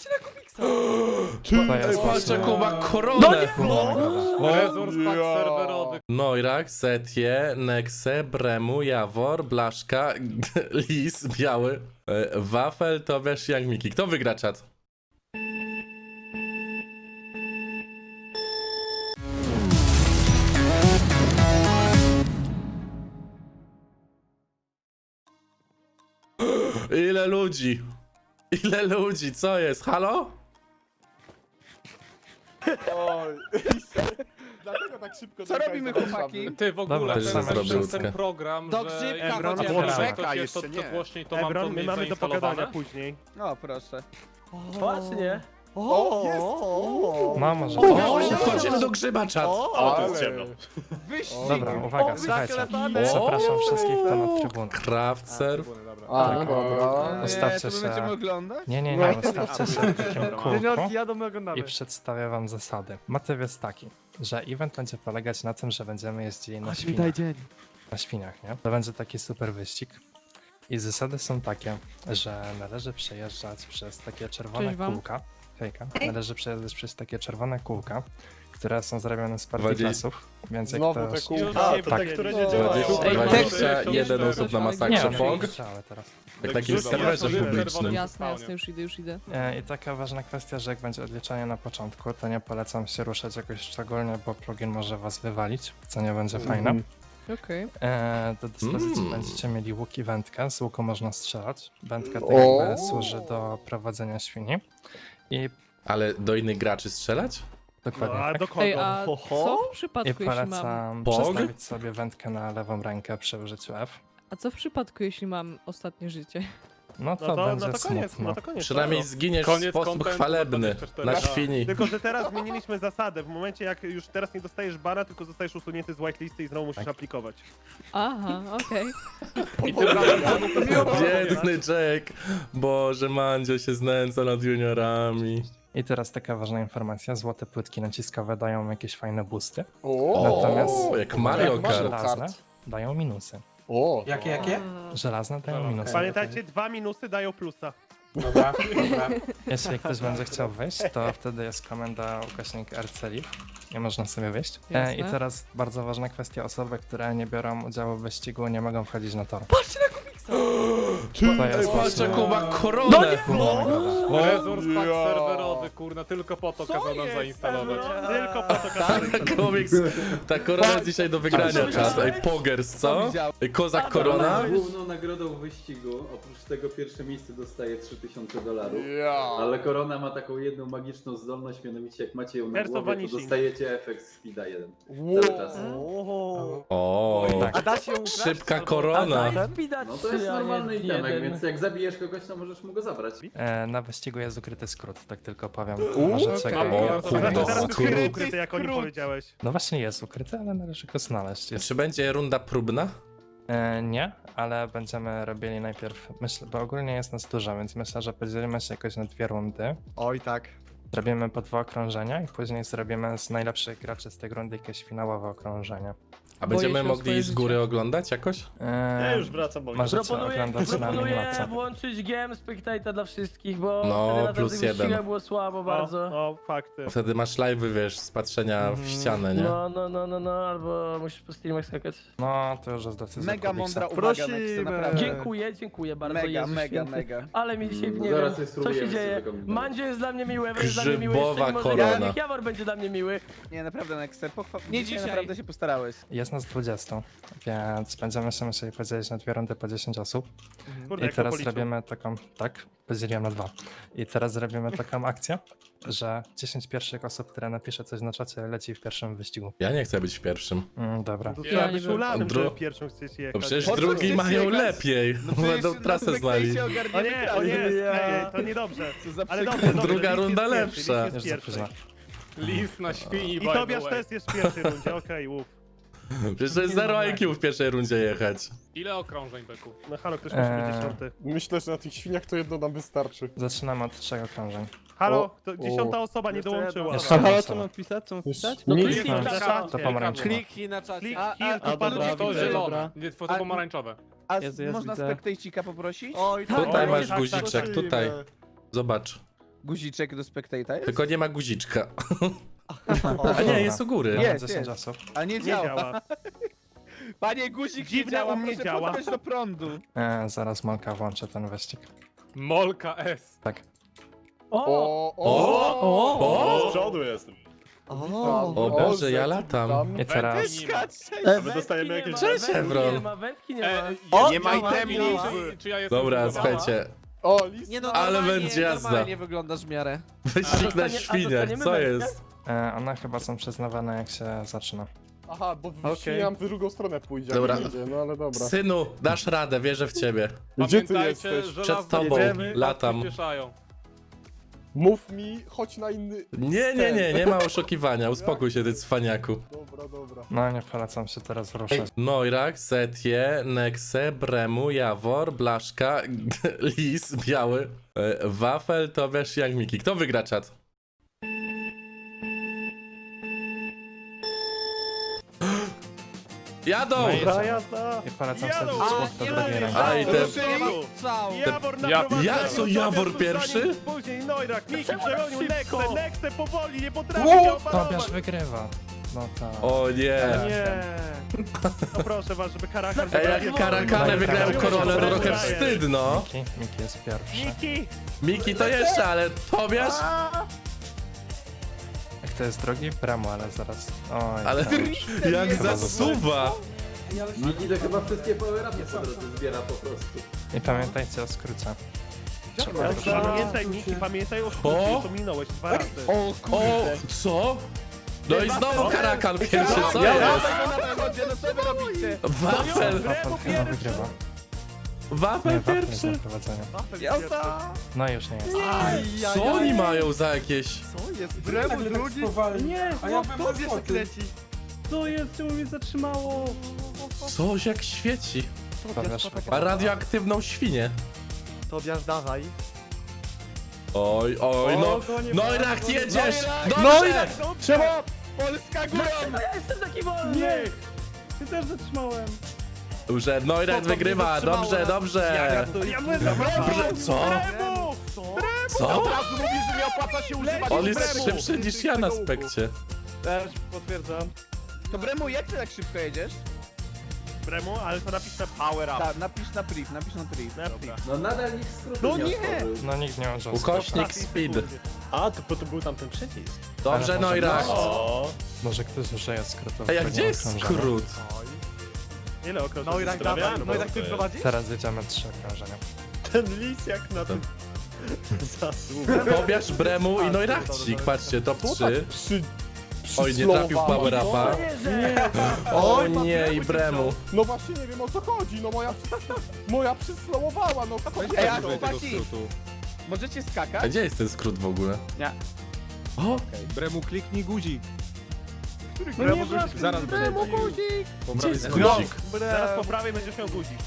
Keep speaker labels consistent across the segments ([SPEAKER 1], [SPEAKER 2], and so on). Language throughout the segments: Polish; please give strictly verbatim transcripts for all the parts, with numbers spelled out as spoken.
[SPEAKER 1] Patrzcie na Kubiksa!
[SPEAKER 2] To jest
[SPEAKER 3] Patrz,
[SPEAKER 2] właśnie...
[SPEAKER 3] jaką ma koronę!
[SPEAKER 4] Resurs pack serwerowy.
[SPEAKER 3] Noirak, Setie, Nexe, Bremu, Jawor, Blaszka, Lis, Biały, e, Wafel, Tobiasz, Young Miki. Kto wygra czat? Ile ludzi? Ile ludzi? Co jest? Halo?
[SPEAKER 4] Oj, dlatego tak szybko
[SPEAKER 1] Co
[SPEAKER 4] dojechałeś
[SPEAKER 1] robimy,
[SPEAKER 4] do Warszawy.
[SPEAKER 1] chłopaki?
[SPEAKER 4] Ty w ogóle,
[SPEAKER 2] Dobra,
[SPEAKER 4] to
[SPEAKER 2] już
[SPEAKER 4] jest
[SPEAKER 2] mamy
[SPEAKER 4] przez
[SPEAKER 3] wszystko.
[SPEAKER 4] ten program,
[SPEAKER 1] Do
[SPEAKER 4] że
[SPEAKER 1] grzybka
[SPEAKER 4] jak
[SPEAKER 1] chociaż.
[SPEAKER 4] włączę
[SPEAKER 1] Czeka,
[SPEAKER 4] ktoś
[SPEAKER 5] jeszcze
[SPEAKER 4] jest to, to
[SPEAKER 5] nie.
[SPEAKER 4] głośniej, to mam to
[SPEAKER 5] Ebron, my
[SPEAKER 4] mniej
[SPEAKER 5] mamy do pogadania
[SPEAKER 4] zainstalowane.
[SPEAKER 5] później.
[SPEAKER 1] O, proszę.
[SPEAKER 5] Właśnie.
[SPEAKER 1] O,
[SPEAKER 5] jest!
[SPEAKER 2] No, może...
[SPEAKER 3] O, wchodzimy do grzyba czat.
[SPEAKER 4] O, to jest ciemno.
[SPEAKER 1] Wyścig!
[SPEAKER 2] Dobra, uwaga,
[SPEAKER 5] O,
[SPEAKER 2] słuchajcie.
[SPEAKER 5] zaklepane.
[SPEAKER 2] Zapraszam wszystkich tu na trybunę.
[SPEAKER 3] Craft serve.
[SPEAKER 4] A,
[SPEAKER 2] Tak.
[SPEAKER 4] dobra.
[SPEAKER 2] Ustawcie
[SPEAKER 1] Nie, to my
[SPEAKER 2] się.
[SPEAKER 1] będziemy oglądać?
[SPEAKER 2] Nie, nie, nie, ustawcie się w takim
[SPEAKER 5] Juniorki
[SPEAKER 2] kółku
[SPEAKER 5] jadą, my oglądamy.
[SPEAKER 2] i przedstawię wam zasady. Motyw jest taki, że event będzie polegać na tym, że będziemy jeździli na świniach.
[SPEAKER 5] dzień.
[SPEAKER 2] Na świniach, nie? To będzie taki super wyścig. I zasady są takie, że należy przejeżdżać przez takie czerwone
[SPEAKER 6] Cześć wam.
[SPEAKER 2] kółka. Hejka. Należy przejeżdżać przez takie czerwone kółka, które są zrobione z
[SPEAKER 3] Dwadzieścia-
[SPEAKER 2] partiklasów, więc jak
[SPEAKER 4] Znowu
[SPEAKER 2] ktoś...
[SPEAKER 4] te kółka.
[SPEAKER 5] A,
[SPEAKER 4] A,
[SPEAKER 5] to
[SPEAKER 4] to
[SPEAKER 2] tak.
[SPEAKER 4] te, które nie
[SPEAKER 5] No.
[SPEAKER 4] działają.
[SPEAKER 3] dwadzieścia
[SPEAKER 6] Ej,
[SPEAKER 3] dwadzieścia
[SPEAKER 6] mam-
[SPEAKER 3] jeden osób na
[SPEAKER 2] Nie,
[SPEAKER 3] masakrze
[SPEAKER 2] no,
[SPEAKER 3] P O G.
[SPEAKER 2] strzały teraz.
[SPEAKER 3] Jak takim
[SPEAKER 4] Grzyba.
[SPEAKER 3] serwerze
[SPEAKER 4] Ja sobie
[SPEAKER 3] publicznym.
[SPEAKER 4] czerwony
[SPEAKER 6] Jasne, jasne,
[SPEAKER 4] spawnie.
[SPEAKER 6] już idę, już idę.
[SPEAKER 2] E, I taka ważna kwestia, że jak będzie odliczanie na początku, to nie polecam się ruszać jakoś szczególnie, bo plugin może was wywalić, co nie będzie fajne.
[SPEAKER 6] Okej.
[SPEAKER 2] E, do dyspozycji
[SPEAKER 3] Mm.
[SPEAKER 2] będziecie mieli łuk i wędkę, z łuku można strzelać. Wędka to jakby służy do prowadzenia świni. I
[SPEAKER 3] Ale do innych graczy strzelać?
[SPEAKER 2] dokładnie
[SPEAKER 5] A
[SPEAKER 2] tak.
[SPEAKER 5] do kogo?
[SPEAKER 6] Ej, a
[SPEAKER 5] Ho, ho?
[SPEAKER 6] co w
[SPEAKER 2] I
[SPEAKER 6] przypadku, jeśli mam...
[SPEAKER 2] polecam
[SPEAKER 3] Pog?
[SPEAKER 2] przestawić sobie wędkę na lewą rękę przy użyciu F.
[SPEAKER 6] A co w przypadku, jeśli mam ostatnie życie?
[SPEAKER 2] No to,
[SPEAKER 5] No to,
[SPEAKER 2] będzie
[SPEAKER 5] no to koniec,
[SPEAKER 2] smutno.
[SPEAKER 5] no to koniec.
[SPEAKER 3] Przynajmniej
[SPEAKER 5] no.
[SPEAKER 3] zginiesz w
[SPEAKER 4] Koniec
[SPEAKER 3] sposób
[SPEAKER 4] contentu
[SPEAKER 3] chwalebny
[SPEAKER 4] dwadzieścia cztery.
[SPEAKER 3] na
[SPEAKER 4] Tak.
[SPEAKER 3] świni.
[SPEAKER 5] Tylko, że teraz zmieniliśmy zasadę. W momencie, jak już teraz nie dostajesz bana, tylko zostajesz usunięty z whitelisty i znowu musisz
[SPEAKER 2] Tak.
[SPEAKER 5] aplikować.
[SPEAKER 6] Aha, okej.
[SPEAKER 4] I tym razem
[SPEAKER 3] Biedny Jack. Boże, Mandzio się znęca nad juniorami.
[SPEAKER 2] I teraz taka ważna informacja, złote płytki naciskowe dają jakieś fajne boosty,
[SPEAKER 4] O,
[SPEAKER 2] Natomiast-
[SPEAKER 3] jak Mario Kart.
[SPEAKER 2] żelazne dają minusy.
[SPEAKER 4] o.
[SPEAKER 7] Jakie, jakie?
[SPEAKER 2] Żelazne dają
[SPEAKER 4] Dobra,
[SPEAKER 2] minusy.
[SPEAKER 5] Pamiętajcie, dwa minusy dają plusa.
[SPEAKER 7] Dobra, dobra.
[SPEAKER 2] Jeśli ktoś będzie chciał wyjść, to wtedy jest komenda ukośnik R C Live i można sobie wyjść. E,
[SPEAKER 6] Jasne.
[SPEAKER 2] I teraz bardzo ważna kwestia, osoby, które nie biorą udziału w wyścigu, nie mogą wchodzić na tor.
[SPEAKER 6] Patrzcie na Kubiksa!
[SPEAKER 2] To jest
[SPEAKER 3] Patrz,
[SPEAKER 2] właśnie
[SPEAKER 3] jaką ma koronę!
[SPEAKER 4] Resurs pack
[SPEAKER 5] Ja.
[SPEAKER 4] serwerowy, kurna, tylko po to kazał nam zainstalować.
[SPEAKER 5] Tylko po to kazałem.
[SPEAKER 3] Komiks, ta korona jest dzisiaj do wygrania, czat. Ej, Pogers, co? Ej, Kozak korona?
[SPEAKER 8] Główną nagrodą wyścigu, oprócz tego pierwsze miejsce dostaje trzy tysiące dolarów.
[SPEAKER 4] Ja.
[SPEAKER 8] Ale korona ma taką jedną magiczną zdolność, mianowicie jak macie ją na
[SPEAKER 5] Perso
[SPEAKER 8] głowie, to
[SPEAKER 5] vanishing.
[SPEAKER 8] dostajecie efekt speeda jeden.
[SPEAKER 4] Wow.
[SPEAKER 8] Cały czas.
[SPEAKER 5] Oho.
[SPEAKER 3] O,
[SPEAKER 2] Tak.
[SPEAKER 5] A da się ukraść?
[SPEAKER 3] szybka
[SPEAKER 5] Albo-
[SPEAKER 3] korona.
[SPEAKER 8] No to jest normalny itemek, więc jak zabijesz kogoś, to możesz mu go zabrać.
[SPEAKER 2] E, na wyścigu jest ukryty skrót, tak tylko powiem.
[SPEAKER 5] Uuu,
[SPEAKER 2] Możecie
[SPEAKER 5] okej.
[SPEAKER 2] go...
[SPEAKER 4] O,
[SPEAKER 5] To
[SPEAKER 3] kurde,
[SPEAKER 5] znaczy, teraz jest
[SPEAKER 3] skrót.
[SPEAKER 5] ukryty, jak oni powiedziałeś.
[SPEAKER 2] No właśnie jest ukryty, ale należy go znaleźć. Jest...
[SPEAKER 3] Czy będzie runda próbna?
[SPEAKER 2] E, nie, ale będziemy robili najpierw, myślę, bo ogólnie jest nas dużo, więc myślę, że podzielimy się jakoś na dwie rundy.
[SPEAKER 5] Oj tak.
[SPEAKER 2] Zrobimy po dwa okrążenia i później zrobimy z najlepszych graczy z tej rundy jakieś finałowe okrążenie.
[SPEAKER 3] A
[SPEAKER 6] Boję
[SPEAKER 3] będziemy
[SPEAKER 6] się o
[SPEAKER 3] mogli
[SPEAKER 6] swoje
[SPEAKER 3] z góry
[SPEAKER 6] życie.
[SPEAKER 3] oglądać jakoś?
[SPEAKER 2] E,
[SPEAKER 5] Ja już wracam, bo
[SPEAKER 2] Możecie
[SPEAKER 9] Proponuję,
[SPEAKER 2] oglądać na
[SPEAKER 9] proponuję
[SPEAKER 2] minimapce.
[SPEAKER 9] włączyć game spectator dla wszystkich, bo
[SPEAKER 3] No,
[SPEAKER 9] wtedy na
[SPEAKER 3] plus
[SPEAKER 9] tamtych
[SPEAKER 3] jeden.
[SPEAKER 9] wyścigach było słabo bardzo.
[SPEAKER 5] O, o, fakty.
[SPEAKER 3] Wtedy masz live, wiesz, z patrzenia w ścianę, nie?
[SPEAKER 9] No, no, no, no, no, albo musisz po streamach skakać.
[SPEAKER 2] No, to już jest decyzja
[SPEAKER 1] Mega
[SPEAKER 2] Kubiksa.
[SPEAKER 1] mądra uwaga,
[SPEAKER 5] Prosimy.
[SPEAKER 1] Nexy, naprawdę.
[SPEAKER 9] Dziękuję, dziękuję bardzo,
[SPEAKER 1] Mega,
[SPEAKER 9] Jezus
[SPEAKER 1] mega,
[SPEAKER 9] święty.
[SPEAKER 1] mega.
[SPEAKER 9] Ale mi dzisiaj,
[SPEAKER 8] Mm,
[SPEAKER 9] nie
[SPEAKER 8] zaraz
[SPEAKER 9] wiem,
[SPEAKER 8] je
[SPEAKER 9] co się
[SPEAKER 8] spróbujemy
[SPEAKER 9] dzieje.
[SPEAKER 8] sobie kombinować.
[SPEAKER 9] Mandzio jest dla mnie miły, Ewa jest dla mnie miły,
[SPEAKER 3] Grzybowa
[SPEAKER 9] jeszcze mimo, że
[SPEAKER 3] korona.
[SPEAKER 9] Janek Jawor będzie dla mnie miły.
[SPEAKER 1] Nie, naprawdę, Nexy, pochwa...
[SPEAKER 6] Nie
[SPEAKER 1] dzisiaj
[SPEAKER 6] dzisiaj.
[SPEAKER 1] naprawdę się postarałeś.
[SPEAKER 2] Jest nas dwadzieścia, więc będziemy się musieli podzielić na dwie rundy po dziesięć osób.
[SPEAKER 5] Kurde,
[SPEAKER 2] I
[SPEAKER 5] jak
[SPEAKER 2] teraz
[SPEAKER 5] to policzył.
[SPEAKER 2] robimy taką, tak, podzieliłem na dwa. I teraz zrobimy taką akcję, że dziesięć pierwszych osób, które napisze coś na czacie, leci w pierwszym wyścigu.
[SPEAKER 3] Ja nie chcę być pierwszym.
[SPEAKER 2] Mm, dobra.
[SPEAKER 5] To
[SPEAKER 6] Ja
[SPEAKER 5] trzeba
[SPEAKER 6] nie
[SPEAKER 5] być
[SPEAKER 6] wiem.
[SPEAKER 5] ulanym,
[SPEAKER 3] Dru-
[SPEAKER 5] że pierwszą chcecie
[SPEAKER 3] To
[SPEAKER 5] jechać.
[SPEAKER 3] przecież
[SPEAKER 1] Po co
[SPEAKER 3] drugi
[SPEAKER 1] chcesz
[SPEAKER 3] mają
[SPEAKER 1] jechać?
[SPEAKER 3] lepiej.
[SPEAKER 1] No przecież
[SPEAKER 3] Będą
[SPEAKER 1] na
[SPEAKER 3] trasę
[SPEAKER 1] Backstage'ie
[SPEAKER 3] znali.
[SPEAKER 5] O
[SPEAKER 1] ogarniemy
[SPEAKER 5] nie, o
[SPEAKER 1] trasę.
[SPEAKER 5] nie,
[SPEAKER 9] Ja.
[SPEAKER 5] nie, to niedobrze.
[SPEAKER 1] Co za
[SPEAKER 5] Ale
[SPEAKER 1] przykre-
[SPEAKER 5] dobrze, dobrze,
[SPEAKER 3] Druga
[SPEAKER 5] Lis jest
[SPEAKER 3] runda
[SPEAKER 5] pierwszy,
[SPEAKER 3] lepsza.
[SPEAKER 5] Lis jest
[SPEAKER 2] Już
[SPEAKER 5] pierwszy.
[SPEAKER 2] zapóźnia.
[SPEAKER 4] Lis na świni,
[SPEAKER 5] I
[SPEAKER 4] by the
[SPEAKER 5] Tobiasz
[SPEAKER 4] way.
[SPEAKER 5] też jest w pierwszej rundzie, okej, łów.
[SPEAKER 3] Przecież to jest zero I Q w pierwszej rundzie jechać.
[SPEAKER 4] Ile okrążeń, Beku?
[SPEAKER 5] No halo, ktoś musi być
[SPEAKER 2] Eee.
[SPEAKER 5] dziesiąty.
[SPEAKER 4] Myślę, że na tych świniach to jedno nam wystarczy.
[SPEAKER 2] Zaczynamy od trzech okrążeń.
[SPEAKER 5] Halo,
[SPEAKER 4] O,
[SPEAKER 5] to dziesiąta
[SPEAKER 4] o.
[SPEAKER 5] osoba nie
[SPEAKER 9] Jeszcze
[SPEAKER 5] dołączyła.
[SPEAKER 2] Jeszcze jedna osoba.
[SPEAKER 5] wpisać? Co mam
[SPEAKER 4] wpisać?
[SPEAKER 9] No
[SPEAKER 4] Nic.
[SPEAKER 9] kliknij na
[SPEAKER 5] Dobra.
[SPEAKER 2] To pomarańczowa.
[SPEAKER 7] Kliknij na czacie.
[SPEAKER 5] Klik,
[SPEAKER 1] A,
[SPEAKER 5] kill,
[SPEAKER 1] a,
[SPEAKER 5] to
[SPEAKER 1] a,
[SPEAKER 5] panowie
[SPEAKER 1] dobra,
[SPEAKER 4] To
[SPEAKER 5] widzę.
[SPEAKER 4] zielone, nie, to
[SPEAKER 1] A-
[SPEAKER 4] pomarańczowe.
[SPEAKER 1] A
[SPEAKER 5] Jezu, jest,
[SPEAKER 1] można
[SPEAKER 5] widzę.
[SPEAKER 1] spectate'cika poprosić?
[SPEAKER 5] Oj,
[SPEAKER 9] Tak,
[SPEAKER 3] Tutaj
[SPEAKER 5] oj,
[SPEAKER 3] masz
[SPEAKER 5] tak,
[SPEAKER 3] guziczek,
[SPEAKER 5] tak,
[SPEAKER 3] tutaj. Zobacz.
[SPEAKER 1] Guziczek do spectata jest?
[SPEAKER 3] Tylko nie ma guziczka. A nie, jest u góry.
[SPEAKER 2] Mamy
[SPEAKER 1] Jest,
[SPEAKER 2] dziesięć
[SPEAKER 1] jest.
[SPEAKER 2] osób.
[SPEAKER 1] A nie
[SPEAKER 5] Nie
[SPEAKER 1] działa.
[SPEAKER 5] działa.
[SPEAKER 1] Panie guzik
[SPEAKER 5] Dziwne,
[SPEAKER 1] nie działa,
[SPEAKER 5] u mnie
[SPEAKER 1] proszę
[SPEAKER 5] działa.
[SPEAKER 1] podać do prądu.
[SPEAKER 2] E, zaraz Molka włączę ten wyścig.
[SPEAKER 4] Molka S.
[SPEAKER 2] Tak.
[SPEAKER 9] O!
[SPEAKER 4] O,
[SPEAKER 3] O! O!
[SPEAKER 4] Z przodu jestem.
[SPEAKER 3] O Boże, ja latam.
[SPEAKER 2] I teraz...
[SPEAKER 5] E,
[SPEAKER 4] My dostajemy jakieś...
[SPEAKER 3] Cześć, Evron.
[SPEAKER 9] Nie ma, wędki nie ma.
[SPEAKER 4] E,
[SPEAKER 1] O,
[SPEAKER 4] nie ma
[SPEAKER 1] działa,
[SPEAKER 4] itemów.
[SPEAKER 1] działa.
[SPEAKER 4] Czy, czy ja jestem
[SPEAKER 3] Dobra,
[SPEAKER 4] zbudowany?
[SPEAKER 3] słuchajcie.
[SPEAKER 4] O, list.
[SPEAKER 7] Nie no,
[SPEAKER 3] Ale
[SPEAKER 7] normalnie,
[SPEAKER 3] będzie jazda.
[SPEAKER 7] normalnie wyglądasz w miarę.
[SPEAKER 3] Wyścig na
[SPEAKER 9] dostanie- a
[SPEAKER 3] świniach,
[SPEAKER 9] dostaniemy
[SPEAKER 3] co
[SPEAKER 9] wędkę?
[SPEAKER 3] jest?
[SPEAKER 2] E, one chyba są przyznawane jak się zaczyna.
[SPEAKER 4] Aha, bo
[SPEAKER 1] Okej.
[SPEAKER 4] okay. w drugą stronę pójdzie. jak
[SPEAKER 3] Dobra.
[SPEAKER 4] Idzie, no ale dobra.
[SPEAKER 3] Synu, dasz radę, wierzę w ciebie.
[SPEAKER 4] Gdzie ty
[SPEAKER 7] Pamiętajcie,
[SPEAKER 4] jesteś?
[SPEAKER 7] że
[SPEAKER 3] Przed
[SPEAKER 7] las
[SPEAKER 3] tobą,
[SPEAKER 7] jedziemy,
[SPEAKER 3] latam.
[SPEAKER 7] przyspieszają.
[SPEAKER 4] Mów mi, chodź na inny...
[SPEAKER 3] Nie, nie, nie, nie ma oszukiwania, uspokój się, ty cwaniaku.
[SPEAKER 4] Dobra, dobra.
[SPEAKER 2] No nie polecam się teraz ruszać.
[SPEAKER 3] Noirak, Setie, Nexe, Bremu, Jawor, Blaszka, Lis, Biały, e, Wafel, Tobiasz, Young Miki. Kto wygra czat? Jadą!
[SPEAKER 5] Dobra jazda.
[SPEAKER 2] I polecam
[SPEAKER 5] Jadą!
[SPEAKER 2] sobie słów do drugiej ręki.
[SPEAKER 3] A i te...
[SPEAKER 5] Jawor
[SPEAKER 3] Ja-
[SPEAKER 5] naprowadza.
[SPEAKER 3] ja- co, Jawor pierwszy?
[SPEAKER 5] Później Noirak, Miki przegonił
[SPEAKER 9] Szybko.
[SPEAKER 5] Nexę, Nexę powoli, nie potrafi
[SPEAKER 4] Wow!
[SPEAKER 5] się opanować.
[SPEAKER 2] Tobiasz wygrywa. No tak.
[SPEAKER 3] O nie!
[SPEAKER 5] Nie. No proszę was, żeby Karakan...
[SPEAKER 3] Ej, jak Karakane wygrałem koronę, to trochę wstyd, no.
[SPEAKER 2] Miki, Miki jest pierwszy.
[SPEAKER 5] Miki!
[SPEAKER 3] Miki to jeszcze, ale Tobiasz?
[SPEAKER 2] Jak to jest drogi? Bramo, ale zaraz... Oj,
[SPEAKER 3] Ale
[SPEAKER 2] tak.
[SPEAKER 3] jak zasuwa!
[SPEAKER 8] Miki to chyba wszystkie power-upy po drodze zbiera po prostu.
[SPEAKER 2] I pamiętajcie o skrócie. Trzeba
[SPEAKER 5] Ja
[SPEAKER 2] wyszło.
[SPEAKER 5] Pamiętaj, Miki, pamiętaj o
[SPEAKER 3] O!
[SPEAKER 5] skrócie, to minąłeś dwa razy.
[SPEAKER 1] O
[SPEAKER 3] O, co? No i znowu Karakan pierwszy, co
[SPEAKER 1] Ja
[SPEAKER 3] jest?
[SPEAKER 1] tego na zawodzie, no co wy robicie?
[SPEAKER 3] Wafel!
[SPEAKER 2] Wafel chyba wygrywa. Nie,
[SPEAKER 3] Wafel
[SPEAKER 2] Wafel jest
[SPEAKER 3] pierwszy!
[SPEAKER 2] na prowadzeniu.
[SPEAKER 1] Jazda!
[SPEAKER 2] No już nie jest.
[SPEAKER 3] Co oni mają za jakieś...
[SPEAKER 7] Co jest?
[SPEAKER 1] Bremu drugi?
[SPEAKER 9] Nie,
[SPEAKER 7] A ja bym
[SPEAKER 9] tobie
[SPEAKER 7] o tym.
[SPEAKER 9] kręci. Co jest? Czemu mnie zatrzymało?
[SPEAKER 3] Coś jak świeci.
[SPEAKER 2] Tobiasz
[SPEAKER 3] Ma
[SPEAKER 2] wygrywa.
[SPEAKER 3] radioaktywną świnię.
[SPEAKER 7] Tobiasz, dawaj.
[SPEAKER 3] Oj, oj, no. No i rak jedziesz!
[SPEAKER 1] No
[SPEAKER 3] Dobrze!
[SPEAKER 1] Trzeba! Polska górą!
[SPEAKER 9] Ja jestem taki wolny! Nie! Ty też zatrzymałem.
[SPEAKER 3] Dobrze, Noirak wygrywa, dobrze, dobrze.
[SPEAKER 5] Ja będę
[SPEAKER 3] Dobrze, co?
[SPEAKER 5] Bremu!
[SPEAKER 3] Co?
[SPEAKER 1] mówi, że nie opłaca się używać
[SPEAKER 3] On jest
[SPEAKER 1] Bremu.
[SPEAKER 3] szybszy niż ja na spekcie.
[SPEAKER 5] Też potwierdzam.
[SPEAKER 1] To Bremu, jak ty tak szybko jedziesz?
[SPEAKER 5] Bremu, ale to napisz na power up.
[SPEAKER 1] Tak, napisz na priv, napisz na priv.
[SPEAKER 5] Na priv.
[SPEAKER 8] No nadal nikt skrótu
[SPEAKER 1] No
[SPEAKER 8] nie
[SPEAKER 1] nie!
[SPEAKER 8] otworzył.
[SPEAKER 2] No nikt nie użył
[SPEAKER 3] Ukośnik speed.
[SPEAKER 4] A, to, to był tam ten przycisk.
[SPEAKER 3] Dobrze,
[SPEAKER 2] Ale może
[SPEAKER 3] Noirak.
[SPEAKER 4] O,
[SPEAKER 2] Może ktoś użyje skrótu.
[SPEAKER 3] Ej, a gdzie jest skrót?
[SPEAKER 5] Ile okrążeń
[SPEAKER 7] No i tak
[SPEAKER 5] zostawiamy?
[SPEAKER 7] dawaj, no i tak ty prowadzisz?
[SPEAKER 2] Teraz jedziemy trzy okrążenia.
[SPEAKER 4] ten lis jak na tym... Zasługę.
[SPEAKER 3] Tobiasz, Bremu i Noirakcik. Patrzcie, top trzy.
[SPEAKER 4] Przy...
[SPEAKER 3] Oj, nie trafił w power upa.
[SPEAKER 9] Nie,
[SPEAKER 3] O nie, i Bremu.
[SPEAKER 4] No właśnie nie wiem o co chodzi, no moja przys... moja przyslowowała, no
[SPEAKER 1] Ej, a chłopaki, możecie
[SPEAKER 3] A
[SPEAKER 1] skakać?
[SPEAKER 3] gdzie jest ten skrót w ogóle?
[SPEAKER 1] Nie.
[SPEAKER 3] O,
[SPEAKER 10] Bremu kliknij guzik.
[SPEAKER 5] No nie masz,
[SPEAKER 10] Zaraz
[SPEAKER 1] Bremu guzik!
[SPEAKER 3] gdzie jest
[SPEAKER 5] No,
[SPEAKER 3] guzik?
[SPEAKER 5] zaraz po prawej będziesz miał guzik.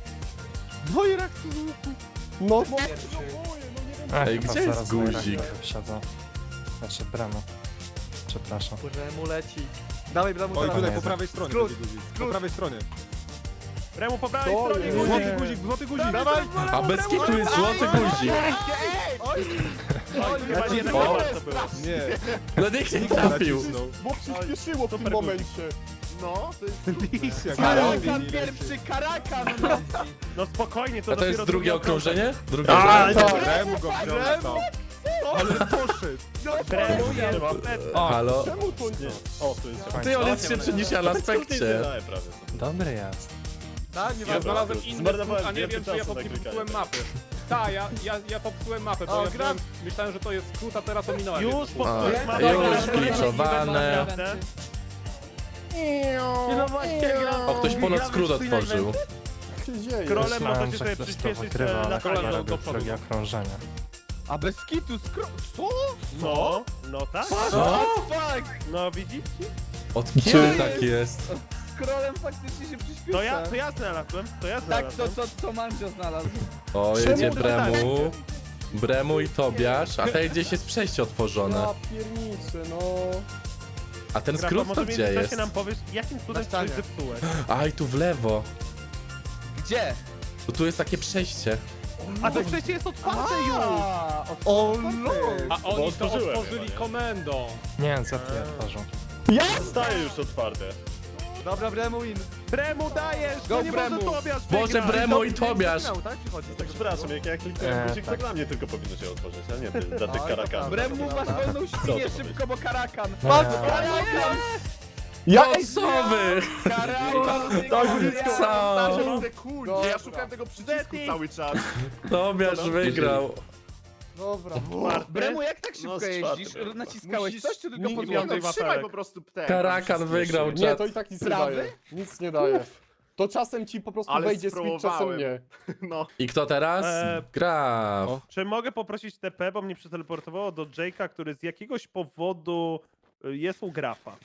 [SPEAKER 1] No i rak
[SPEAKER 4] No, no, no,
[SPEAKER 2] Ech,
[SPEAKER 3] Ej,
[SPEAKER 2] chyba
[SPEAKER 3] gdzie jest
[SPEAKER 2] zaraz Noirak
[SPEAKER 3] guzik?
[SPEAKER 2] Wsiadzą. Znaczy Bramo. Przepraszam.
[SPEAKER 7] Bremu leci. Dawaj, Bremu,
[SPEAKER 10] Oj,
[SPEAKER 7] teraz.
[SPEAKER 10] tutaj po prawej stronie.
[SPEAKER 7] Skrót,
[SPEAKER 10] będzie guzik. Po prawej stronie.
[SPEAKER 5] Bremu po prawej
[SPEAKER 4] Co
[SPEAKER 5] stronie
[SPEAKER 4] jest?
[SPEAKER 5] guzik.
[SPEAKER 10] Złoty guzik, złoty guzik.
[SPEAKER 5] Dawaj!
[SPEAKER 3] A bez kitu jest złoty guzik.
[SPEAKER 5] Oj, chyba nie tak
[SPEAKER 3] O.
[SPEAKER 5] to było.
[SPEAKER 10] Nie.
[SPEAKER 3] No nikt nie trafił.
[SPEAKER 4] bo przyspieszyło w tym
[SPEAKER 5] Super
[SPEAKER 4] momencie.
[SPEAKER 1] No, to jest
[SPEAKER 10] Lis jak
[SPEAKER 1] Karakan pierwszy, Karakan! No.
[SPEAKER 5] No spokojnie, to
[SPEAKER 3] A to jest
[SPEAKER 5] dopiero
[SPEAKER 3] drugie okrążenie? Drugie
[SPEAKER 5] A,
[SPEAKER 3] okrążenie.
[SPEAKER 10] Bremu go wziął. Ale poszedł.
[SPEAKER 5] Bremu jest.
[SPEAKER 3] Halo?
[SPEAKER 4] Czemu to nie? O, to jest...
[SPEAKER 3] Ty, on jest szybszy niż ja na spekcie.
[SPEAKER 2] Dobry jest.
[SPEAKER 7] Tak, nie
[SPEAKER 4] Ja
[SPEAKER 7] ma.
[SPEAKER 4] znalazłem inny Zmarnowałem skrót, a nie więcej wiem, czy ja czasu po- na nie klikanie. popsułem mapy.
[SPEAKER 10] Tak, ja, ja, ja popsułem mapę, bo
[SPEAKER 7] O,
[SPEAKER 10] ja
[SPEAKER 7] gra-
[SPEAKER 10] byłem, myślałem, że to jest skrót, a teraz ominąłem.
[SPEAKER 5] Już
[SPEAKER 10] jedno.
[SPEAKER 5] po
[SPEAKER 3] A, już gliczowane.
[SPEAKER 9] no właśnie, gram.
[SPEAKER 3] O, ktoś ponad skrót otworzył.
[SPEAKER 4] Co się dzieje?
[SPEAKER 5] Scrollem
[SPEAKER 2] Myślałem,
[SPEAKER 5] możecie
[SPEAKER 2] że
[SPEAKER 5] sobie
[SPEAKER 2] ktoś to
[SPEAKER 5] przyspieszyć
[SPEAKER 2] wygrywa,
[SPEAKER 5] e,
[SPEAKER 2] ale
[SPEAKER 5] na
[SPEAKER 2] chyba
[SPEAKER 5] kolano
[SPEAKER 2] robił
[SPEAKER 5] do przodu.
[SPEAKER 2] drugie okrążenie.
[SPEAKER 1] A bez kitu skro... Co?
[SPEAKER 5] No, no tak.
[SPEAKER 3] Co?
[SPEAKER 1] Fuck!
[SPEAKER 5] No widzicie?
[SPEAKER 3] Od kiedy tak jest?
[SPEAKER 1] Scrollem faktycznie się przyspiesza.
[SPEAKER 5] To ja, to ja znalazłem, to ja
[SPEAKER 1] Tak,
[SPEAKER 5] znalazłem.
[SPEAKER 1] to, to, to Mandzio znalazł.
[SPEAKER 3] O,
[SPEAKER 5] Czemu
[SPEAKER 3] jedzie
[SPEAKER 5] to
[SPEAKER 3] Bremu. Bremu i Tobiasz, a tutaj gdzieś jest przejście otworzone.
[SPEAKER 4] Ja pierniczę, no...
[SPEAKER 3] A ten
[SPEAKER 5] Grafa,
[SPEAKER 3] skrót
[SPEAKER 5] może
[SPEAKER 3] to
[SPEAKER 5] w
[SPEAKER 3] gdzie
[SPEAKER 5] międzyczasie
[SPEAKER 3] jest?
[SPEAKER 5] nam powiesz, jakim cudem
[SPEAKER 7] Na
[SPEAKER 5] coś
[SPEAKER 7] ścianie.
[SPEAKER 5] zepsułeś.
[SPEAKER 3] Aj, tu w lewo.
[SPEAKER 1] Gdzie?
[SPEAKER 3] To tu jest takie przejście.
[SPEAKER 5] A to przecież jest otwarte już!
[SPEAKER 1] A,
[SPEAKER 7] O
[SPEAKER 1] no!
[SPEAKER 10] A oni to
[SPEAKER 9] otworzyłem
[SPEAKER 10] otworzyli
[SPEAKER 9] chyba, nie?
[SPEAKER 10] komendą.
[SPEAKER 2] Nie, Z T otworzył.
[SPEAKER 9] Zostaje już otwarte.
[SPEAKER 7] Dobra, Bremu win.
[SPEAKER 5] Bremu dajesz!
[SPEAKER 1] Go
[SPEAKER 5] No nie
[SPEAKER 1] Bremu.
[SPEAKER 5] może Tobiasz
[SPEAKER 3] Boże,
[SPEAKER 5] wygrać.
[SPEAKER 3] Bremo i Tobiasz!
[SPEAKER 7] Miał, tak? Przychodzi z tego.
[SPEAKER 9] Przepraszam, jak ja kliknąłem
[SPEAKER 2] Eee,
[SPEAKER 9] guzik, to
[SPEAKER 2] tak.
[SPEAKER 9] dla mnie tylko powinno się otworzyć, a nie ty, dla tych
[SPEAKER 7] Oj, to
[SPEAKER 9] karakanów.
[SPEAKER 7] prawda.
[SPEAKER 1] Bremu, masz wolną świnię szybko, bo karakan.
[SPEAKER 2] No
[SPEAKER 1] Masz
[SPEAKER 2] nie.
[SPEAKER 1] karakan!
[SPEAKER 4] Ja
[SPEAKER 3] No co wy?
[SPEAKER 1] Karakan!
[SPEAKER 3] Co?
[SPEAKER 4] sekundzie, ja szukałem tego przycisku cały czas.
[SPEAKER 3] Tobiasz wygrał.
[SPEAKER 7] Dobra.
[SPEAKER 1] Bremu, jak tak szybko
[SPEAKER 9] No, z
[SPEAKER 1] jeździsz?
[SPEAKER 9] czwartym.
[SPEAKER 1] Naciskałeś coś, czy tylko
[SPEAKER 4] nie,
[SPEAKER 1] pod
[SPEAKER 4] nie, no,
[SPEAKER 1] piątej
[SPEAKER 4] trzymaj po prostu ten.
[SPEAKER 3] Karakan wygrał,
[SPEAKER 4] Nie,
[SPEAKER 3] czat.
[SPEAKER 4] to i tak nic nie
[SPEAKER 1] Prawy?
[SPEAKER 4] daje. Nic nie daje. To czasem ci po prostu
[SPEAKER 9] Ale
[SPEAKER 4] wejdzie speed, czasem
[SPEAKER 9] spróbowałem.
[SPEAKER 4] nie.
[SPEAKER 9] No.
[SPEAKER 3] I kto teraz?
[SPEAKER 5] Eee,
[SPEAKER 3] Graf.
[SPEAKER 5] Czy mogę poprosić T P, bo mnie przeteleportowało do Jake'a, który z jakiegoś powodu y, jest u Grafa.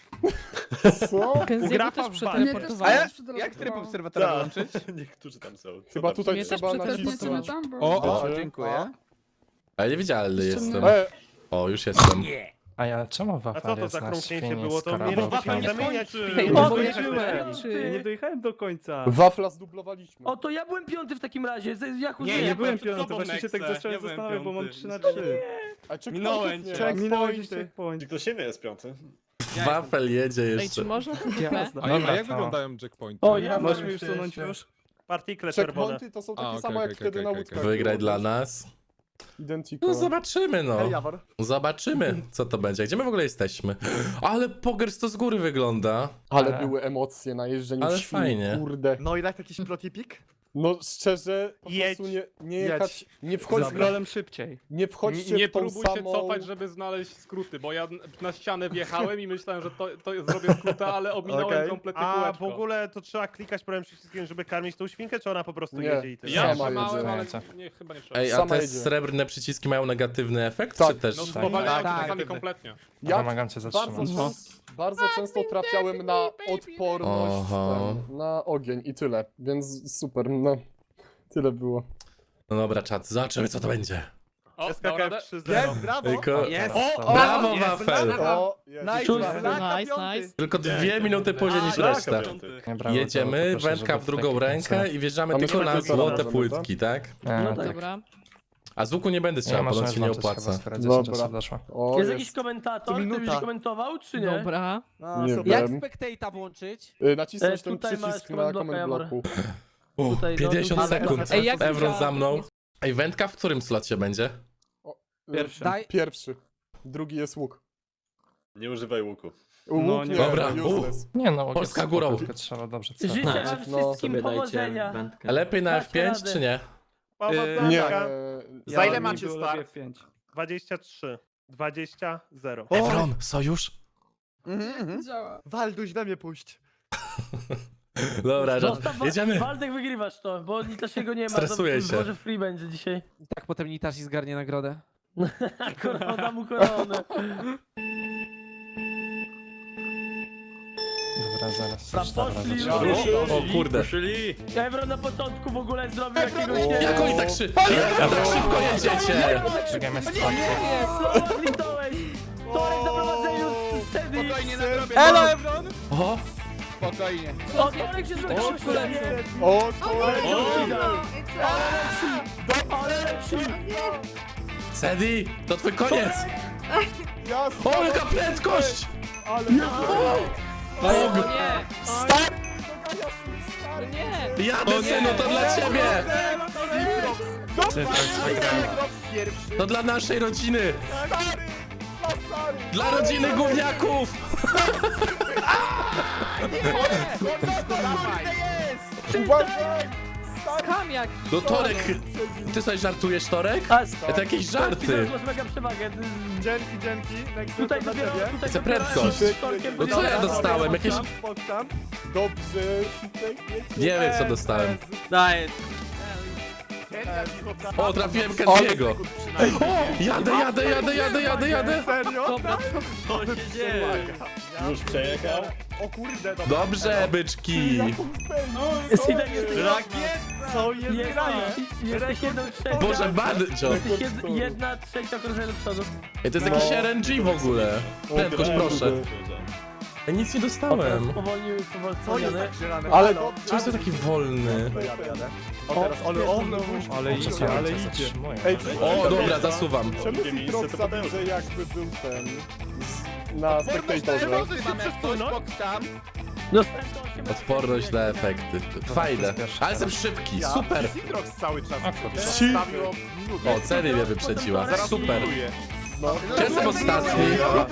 [SPEAKER 4] Co?
[SPEAKER 6] Kenziego
[SPEAKER 5] Grafa
[SPEAKER 6] też
[SPEAKER 5] w bazie.
[SPEAKER 1] A
[SPEAKER 6] przeteleportowałeś.
[SPEAKER 1] ja, jak tryb obserwatora
[SPEAKER 9] Tak.
[SPEAKER 1] wyłączyć?
[SPEAKER 9] Niektórzy tam są. Co
[SPEAKER 4] Chyba
[SPEAKER 9] tam
[SPEAKER 4] tutaj
[SPEAKER 6] Mnie też
[SPEAKER 4] trzeba
[SPEAKER 6] przeteleportowało.
[SPEAKER 4] nacisnąć.
[SPEAKER 1] O, o,
[SPEAKER 4] Dobrze.
[SPEAKER 1] dziękuję.
[SPEAKER 3] Ale niewidzialny jestem.
[SPEAKER 4] E,
[SPEAKER 3] O, już jestem.
[SPEAKER 2] A ja czemu
[SPEAKER 5] A co
[SPEAKER 2] wafel
[SPEAKER 5] to
[SPEAKER 2] jest
[SPEAKER 5] za
[SPEAKER 2] na
[SPEAKER 5] krąknięcie
[SPEAKER 2] świni
[SPEAKER 5] było?
[SPEAKER 2] z
[SPEAKER 5] To mnie
[SPEAKER 2] karabinem?
[SPEAKER 5] wafel nie zamieniać.
[SPEAKER 9] skończy.
[SPEAKER 5] nie
[SPEAKER 6] O,
[SPEAKER 5] mogę
[SPEAKER 6] skończyłem.
[SPEAKER 5] jechać do
[SPEAKER 6] Czy-
[SPEAKER 9] Ja nie dojechałem do końca.
[SPEAKER 4] wafla zdublowaliśmy.
[SPEAKER 11] O, to ja byłem piąty w takim razie. z- Jak
[SPEAKER 9] Nie,
[SPEAKER 10] Nie,
[SPEAKER 9] nie
[SPEAKER 10] nie
[SPEAKER 9] byłem
[SPEAKER 10] byłem piąty,
[SPEAKER 9] piąty,
[SPEAKER 10] właśnie się tak zacząłem zastanawiać, bo mam trzy na trzy.
[SPEAKER 4] A checkpointów
[SPEAKER 10] Minąłem
[SPEAKER 4] nie
[SPEAKER 10] cię.
[SPEAKER 4] ma.
[SPEAKER 10] Minąłeś checkpoint.
[SPEAKER 9] Czy do siebie jest piąty?
[SPEAKER 3] Wafel jedzie
[SPEAKER 6] Ej,
[SPEAKER 3] jeszcze.
[SPEAKER 6] czy można to T P?
[SPEAKER 2] Dobra, jak wyglądają
[SPEAKER 10] checkpointy?
[SPEAKER 11] O, ja
[SPEAKER 10] Możesz
[SPEAKER 11] mam
[SPEAKER 10] mi już
[SPEAKER 11] jeszcze-
[SPEAKER 10] sunąć już?
[SPEAKER 5] Partikle czerwone.
[SPEAKER 4] Checkpointy to są takie
[SPEAKER 10] A, okej,
[SPEAKER 4] same jak
[SPEAKER 10] okej,
[SPEAKER 4] wtedy
[SPEAKER 10] okej,
[SPEAKER 4] na
[SPEAKER 10] okej,
[SPEAKER 4] łódkach.
[SPEAKER 10] okej.
[SPEAKER 3] Wygraj dla nas.
[SPEAKER 4] Identico.
[SPEAKER 3] No zobaczymy, no.
[SPEAKER 7] Ej, Jawor.
[SPEAKER 3] Zobaczymy, co to będzie. Gdzie my w ogóle jesteśmy? Ale Pogers to z góry wygląda.
[SPEAKER 4] Ale
[SPEAKER 3] Ale-
[SPEAKER 4] były emocje na jeżdżeniu
[SPEAKER 3] Ale
[SPEAKER 4] w świni,
[SPEAKER 3] fajnie.
[SPEAKER 4] kurde.
[SPEAKER 7] No i tak jakiś protipik?
[SPEAKER 4] No szczerze, po
[SPEAKER 5] Jedź.
[SPEAKER 4] prostu nie, nie
[SPEAKER 7] Jedź.
[SPEAKER 4] jechać, nie wchodź,
[SPEAKER 10] Scrollem szybciej.
[SPEAKER 4] nie
[SPEAKER 10] Nie,
[SPEAKER 4] wchodźcie
[SPEAKER 10] nie
[SPEAKER 4] w tą
[SPEAKER 10] próbuj
[SPEAKER 4] samą...
[SPEAKER 10] się cofać, żeby znaleźć skróty, bo ja na ścianę wjechałem i myślałem, że to, to zrobię skróta, ale ominąłem
[SPEAKER 7] Okej.
[SPEAKER 10] kompletnie
[SPEAKER 5] A
[SPEAKER 10] kółeczko.
[SPEAKER 5] w ogóle to trzeba klikać prawym przyciskiem, żeby karmić tą świnkę, czy ona po prostu
[SPEAKER 4] Nie.
[SPEAKER 5] jedzie i tyle?
[SPEAKER 10] Ja
[SPEAKER 4] Sama
[SPEAKER 10] trzymałem,
[SPEAKER 4] jedzie.
[SPEAKER 10] ale nie, chyba nie trzeba.
[SPEAKER 3] Ej, a
[SPEAKER 4] Sama
[SPEAKER 3] te
[SPEAKER 4] jedzie.
[SPEAKER 3] srebrne przyciski mają negatywny efekt,
[SPEAKER 4] Tak.
[SPEAKER 3] czy też?
[SPEAKER 10] No
[SPEAKER 2] Tak.
[SPEAKER 10] spowalniają
[SPEAKER 1] Tak,
[SPEAKER 10] tak,
[SPEAKER 1] tak.
[SPEAKER 10] czasami kompletnie.
[SPEAKER 4] Ja
[SPEAKER 2] Pomagam cię
[SPEAKER 4] bardzo,
[SPEAKER 2] zatrzymać.
[SPEAKER 4] często, bardzo często trafiałem na odporność
[SPEAKER 3] Oho.
[SPEAKER 4] ten, na ogień i tyle, więc super, no. Tyle było.
[SPEAKER 3] No dobra, czat, zobaczymy co to będzie.
[SPEAKER 10] O, dał
[SPEAKER 5] S K K
[SPEAKER 10] radę?
[SPEAKER 5] F trzy zero.
[SPEAKER 7] Jest, brawo!
[SPEAKER 3] Tylko...
[SPEAKER 1] Jest!
[SPEAKER 2] O,
[SPEAKER 3] Brawo,
[SPEAKER 1] jest,
[SPEAKER 3] Wafel!
[SPEAKER 4] O, jest.
[SPEAKER 1] Nice,
[SPEAKER 6] Szósty.
[SPEAKER 1] Wafel.
[SPEAKER 6] Nice, nice.
[SPEAKER 3] Tylko dwie minuty później niż
[SPEAKER 9] Tak,
[SPEAKER 3] reszta.
[SPEAKER 9] piąty.
[SPEAKER 2] Nie, brawo, to
[SPEAKER 3] Jedziemy,
[SPEAKER 2] poproszę,
[SPEAKER 3] wędka
[SPEAKER 2] żeby
[SPEAKER 3] w drugą
[SPEAKER 2] taki
[SPEAKER 3] rękę
[SPEAKER 2] koncert.
[SPEAKER 3] i wjeżdżamy
[SPEAKER 4] A my
[SPEAKER 3] tylko na
[SPEAKER 4] sobie
[SPEAKER 3] złote
[SPEAKER 4] możemy,
[SPEAKER 3] płytki, tak?
[SPEAKER 2] E,
[SPEAKER 4] No
[SPEAKER 2] tak.
[SPEAKER 6] Dobra.
[SPEAKER 3] A z łuku nie będę
[SPEAKER 2] Nie,
[SPEAKER 3] strzelał,
[SPEAKER 2] można
[SPEAKER 3] ponoć się nie
[SPEAKER 2] włączyć chyba,
[SPEAKER 3] opłaca.
[SPEAKER 2] skoro dziesięć
[SPEAKER 4] Dobra.
[SPEAKER 2] osób doszło.
[SPEAKER 4] O,
[SPEAKER 11] Jest
[SPEAKER 4] jest.
[SPEAKER 11] jakiś komentator,
[SPEAKER 7] Tu
[SPEAKER 11] który
[SPEAKER 7] minuta.
[SPEAKER 11] byś komentował, czy nie?
[SPEAKER 6] Dobra.
[SPEAKER 7] No,
[SPEAKER 4] Nie
[SPEAKER 7] super.
[SPEAKER 4] wiem.
[SPEAKER 1] spectate'a włączyć?
[SPEAKER 4] Y, Nacisnąć
[SPEAKER 11] E,
[SPEAKER 4] ten
[SPEAKER 11] tutaj masz
[SPEAKER 4] przycisk na
[SPEAKER 11] comment blocka,
[SPEAKER 4] comment
[SPEAKER 11] Jawor.
[SPEAKER 4] bloku.
[SPEAKER 3] U,
[SPEAKER 11] Tutaj, no,
[SPEAKER 3] pięćdziesiąt
[SPEAKER 11] ale-
[SPEAKER 3] sekund.
[SPEAKER 6] Ej, jak
[SPEAKER 3] Evron
[SPEAKER 6] wygra-
[SPEAKER 3] za mną. Ej, wędka w którym slocie będzie?
[SPEAKER 4] Y,
[SPEAKER 10] Pierwszy.
[SPEAKER 1] Daj.
[SPEAKER 4] Pierwszy. Drugi jest łuk.
[SPEAKER 9] Nie używaj łuku.
[SPEAKER 4] Łuk
[SPEAKER 10] No
[SPEAKER 4] nie,
[SPEAKER 10] nie.
[SPEAKER 3] Dobra.
[SPEAKER 4] useless.
[SPEAKER 2] Nie no,
[SPEAKER 3] Polska
[SPEAKER 2] jest
[SPEAKER 3] górą.
[SPEAKER 2] spoko, tylko trzeba dobrze celać.
[SPEAKER 11] Życzę wam
[SPEAKER 4] No,
[SPEAKER 11] wszystkim powodzenia.
[SPEAKER 3] A lepiej na
[SPEAKER 11] Dacie
[SPEAKER 3] F pięć
[SPEAKER 11] radę.
[SPEAKER 3] czy nie?
[SPEAKER 5] Powodzonka.
[SPEAKER 4] Nie.
[SPEAKER 1] Za ile
[SPEAKER 10] Ja
[SPEAKER 1] macie
[SPEAKER 10] niby
[SPEAKER 1] start?
[SPEAKER 10] lepiej pięć.
[SPEAKER 5] dwadzieścia trzy. dwadzieścia zero.
[SPEAKER 3] Evron, sojusz?
[SPEAKER 1] Mhm, mhm.
[SPEAKER 7] Walduś, we mnie puść.
[SPEAKER 3] Dobra,
[SPEAKER 11] Zostaw,
[SPEAKER 3] jedziemy.
[SPEAKER 11] Waldek wygrywasz to, bo Nitasiego nie ma.
[SPEAKER 3] Stresuję
[SPEAKER 11] to,
[SPEAKER 3] się.
[SPEAKER 11] Może free będzie dzisiaj.
[SPEAKER 1] Tak potem Nitashi zgarnie nagrodę.
[SPEAKER 11] Korona mu koronę.
[SPEAKER 2] Dobra, zaraz.
[SPEAKER 11] Tam
[SPEAKER 2] już, dobra,
[SPEAKER 11] poszli
[SPEAKER 2] zaczynamy.
[SPEAKER 11] już.
[SPEAKER 3] O kurde.
[SPEAKER 11] Evron na początku w ogóle zrobił jakiegoś nie
[SPEAKER 3] Jak oni tak, szy... Jak tak szybko jedziecie?
[SPEAKER 2] Czekajmy z
[SPEAKER 11] Słowo zlitałeś! Torek na prowadzeniu z sceny!
[SPEAKER 1] Spokojnie na grobie.
[SPEAKER 7] Elo, Evron!
[SPEAKER 3] O,
[SPEAKER 1] Spokojnie.
[SPEAKER 11] O, Torek się zrobił szybko lecą!
[SPEAKER 4] O, to
[SPEAKER 11] Ale leci!
[SPEAKER 3] Sedi, to twój koniec!
[SPEAKER 4] ja
[SPEAKER 3] O, jaka prędkość!
[SPEAKER 4] ale
[SPEAKER 6] O nie!
[SPEAKER 4] Start!
[SPEAKER 6] Nie!
[SPEAKER 3] Jadę, synu, to dla ciebie!
[SPEAKER 4] Cytrax wygrał.
[SPEAKER 3] To dla naszej rodziny! Dla rodziny gówniaków!
[SPEAKER 4] Uważaj!
[SPEAKER 6] Skam jaki!
[SPEAKER 3] No Torek, ty sobie żartujesz, Torek?
[SPEAKER 11] A,
[SPEAKER 3] To jakieś żarty.
[SPEAKER 11] Torek, masz mega przewagę.
[SPEAKER 7] Dzięki, dzięki. Next
[SPEAKER 11] Tutaj
[SPEAKER 7] dla
[SPEAKER 11] dopiero,
[SPEAKER 7] ciebie.
[SPEAKER 11] tutaj
[SPEAKER 3] Chcę
[SPEAKER 11] dopiero
[SPEAKER 3] prędkość.
[SPEAKER 11] z Torkiem
[SPEAKER 3] No co ja
[SPEAKER 11] będzie-
[SPEAKER 3] dostałem? Jakieś...
[SPEAKER 7] Pokczam.
[SPEAKER 4] Dobrze.
[SPEAKER 3] Nie wiem, co dostałem.
[SPEAKER 11] Daj.
[SPEAKER 3] O, trafiłem Kenziego. O, jadę, jadę, jadę, jadę, jadę, jadę.
[SPEAKER 7] Serio?
[SPEAKER 6] Dobra,
[SPEAKER 11] Co się dzieje?
[SPEAKER 9] Już przejechał.
[SPEAKER 7] O kurde, dobra.
[SPEAKER 3] Dobrze, byczki.
[SPEAKER 11] Sidek, jesteś...
[SPEAKER 7] Co jest
[SPEAKER 11] Jest,
[SPEAKER 7] grane?
[SPEAKER 11] jesteś jedną trzecią.
[SPEAKER 3] Boże, Banjo.
[SPEAKER 11] Jesteś jed, jedna trzecia okrążenia do przodu.
[SPEAKER 3] Ej, to jest jakiś R N G w ogóle. Prędkość, proszę. Ja nic nie
[SPEAKER 11] O, teraz
[SPEAKER 3] dostałem.
[SPEAKER 11] powolnił, powolniony.
[SPEAKER 4] Ale to...
[SPEAKER 3] Czemu jestem taki wolny?
[SPEAKER 7] O, teraz, ale on,
[SPEAKER 4] Ale idzie, ale idzie.
[SPEAKER 2] Zatrzymuję.
[SPEAKER 4] Ej,
[SPEAKER 3] O, dobra, zasuwam.
[SPEAKER 4] czemu Citrox zabił, że jakby był ten... Z, na spektatorze?
[SPEAKER 11] Dostałem to osiem
[SPEAKER 3] Odporność na efekty. Fajne. Ale jestem szybki, super.
[SPEAKER 7] Citrox cały czas
[SPEAKER 4] Ci-
[SPEAKER 7] stawił o minutę.
[SPEAKER 3] O, Celi mnie wyprzedziła. Super.
[SPEAKER 4] No.
[SPEAKER 3] Ja jestem ostatni.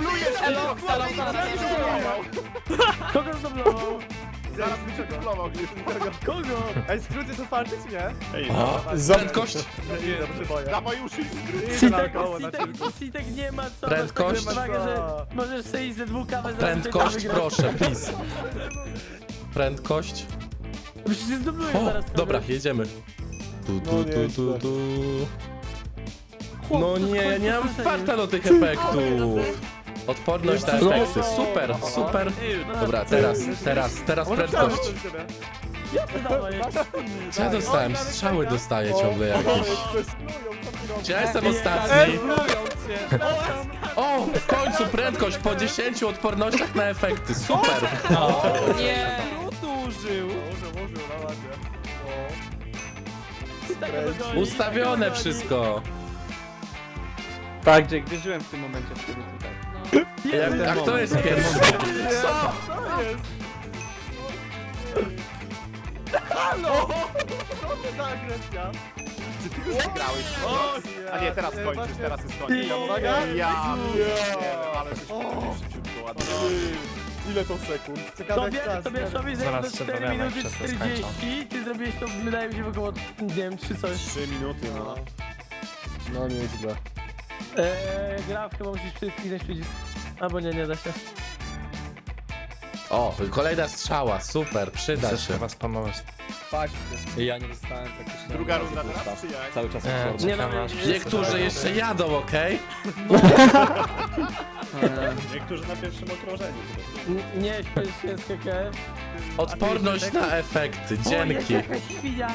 [SPEAKER 11] Kogo zdoblował?
[SPEAKER 7] Zaraz mi się dublował gdzieś.
[SPEAKER 11] Kogo?
[SPEAKER 7] Ej, skróty są farty czy nie? Ej,
[SPEAKER 3] O,
[SPEAKER 4] Za-
[SPEAKER 3] prędkość.
[SPEAKER 7] nie, dobrze boję. Dawaj już skróty.
[SPEAKER 11] Sitek, Sitek, Sitek nie ma co.
[SPEAKER 3] Prędkość.
[SPEAKER 11] Masz taką przewagę, że możesz sobie iść ze dwóch kawę za
[SPEAKER 3] Prędkość,
[SPEAKER 11] wygrać.
[SPEAKER 3] proszę, please. Prędkość.
[SPEAKER 11] Przecież się zdobyłeś
[SPEAKER 3] O,
[SPEAKER 11] zaraz.
[SPEAKER 3] dobra, jedziemy. Tu, tu, tu, tu, tu. No nie, ja nie mam farta do tych efektów. Odporność na efekty, super, super. Dobra, teraz, teraz, teraz prędkość.
[SPEAKER 11] Jasne, dawaj.
[SPEAKER 3] Co ja dostałem? Strzały dostaję ciągle jakieś. Czy ja jestem ostatni? O, w końcu prędkość po dziesięciu odpornościach na efekty, super.
[SPEAKER 6] Nie!
[SPEAKER 3] Ustawione wszystko.
[SPEAKER 9] Tak, Jake, wierzyłem w tym momencie w ciebie tutaj.
[SPEAKER 3] Jak, a kto jest pierwszy? Co?
[SPEAKER 7] Czy ty już wygrałeś? A nie, teraz kończysz, teraz jest koniec.
[SPEAKER 4] Uwaga.
[SPEAKER 7] Ja ale żeś szybciutko ładnie.
[SPEAKER 4] Ile to sekund?
[SPEAKER 11] Tobie, Tobiaszowi
[SPEAKER 2] Zaraz
[SPEAKER 11] zajęło
[SPEAKER 2] się
[SPEAKER 11] cztery
[SPEAKER 2] dowiemy,
[SPEAKER 11] minuty
[SPEAKER 2] jak się to
[SPEAKER 11] czterdzieści, ty zrobiłeś to, wydaje mi się, w około, nie wiem, trzy coś.
[SPEAKER 7] trzy minuty, no.
[SPEAKER 4] No nieźle.
[SPEAKER 11] Eee, gra chyba musisz przycisnąć przycisk. Albo nie, nie da się.
[SPEAKER 3] O, kolejna strzała, super, przyda
[SPEAKER 2] Chcesz
[SPEAKER 3] się.
[SPEAKER 2] chyba spamować.
[SPEAKER 9] Tak, ja nie dostałem praktycznie.
[SPEAKER 7] Druga runda teraz, czy jak?
[SPEAKER 9] Cały czas
[SPEAKER 2] Nie,
[SPEAKER 9] odporny.
[SPEAKER 11] Nie,
[SPEAKER 2] czekam
[SPEAKER 11] no,
[SPEAKER 2] aż...
[SPEAKER 11] nie,
[SPEAKER 3] Niektórzy jeszcze jadą, okej?
[SPEAKER 7] Niektórzy na pierwszym okrążeniu.
[SPEAKER 11] N- Nie, śpiesz się z K K F.
[SPEAKER 3] Odporność na efekty,
[SPEAKER 11] O, jest
[SPEAKER 3] dzięki.
[SPEAKER 11] jakaś świnia.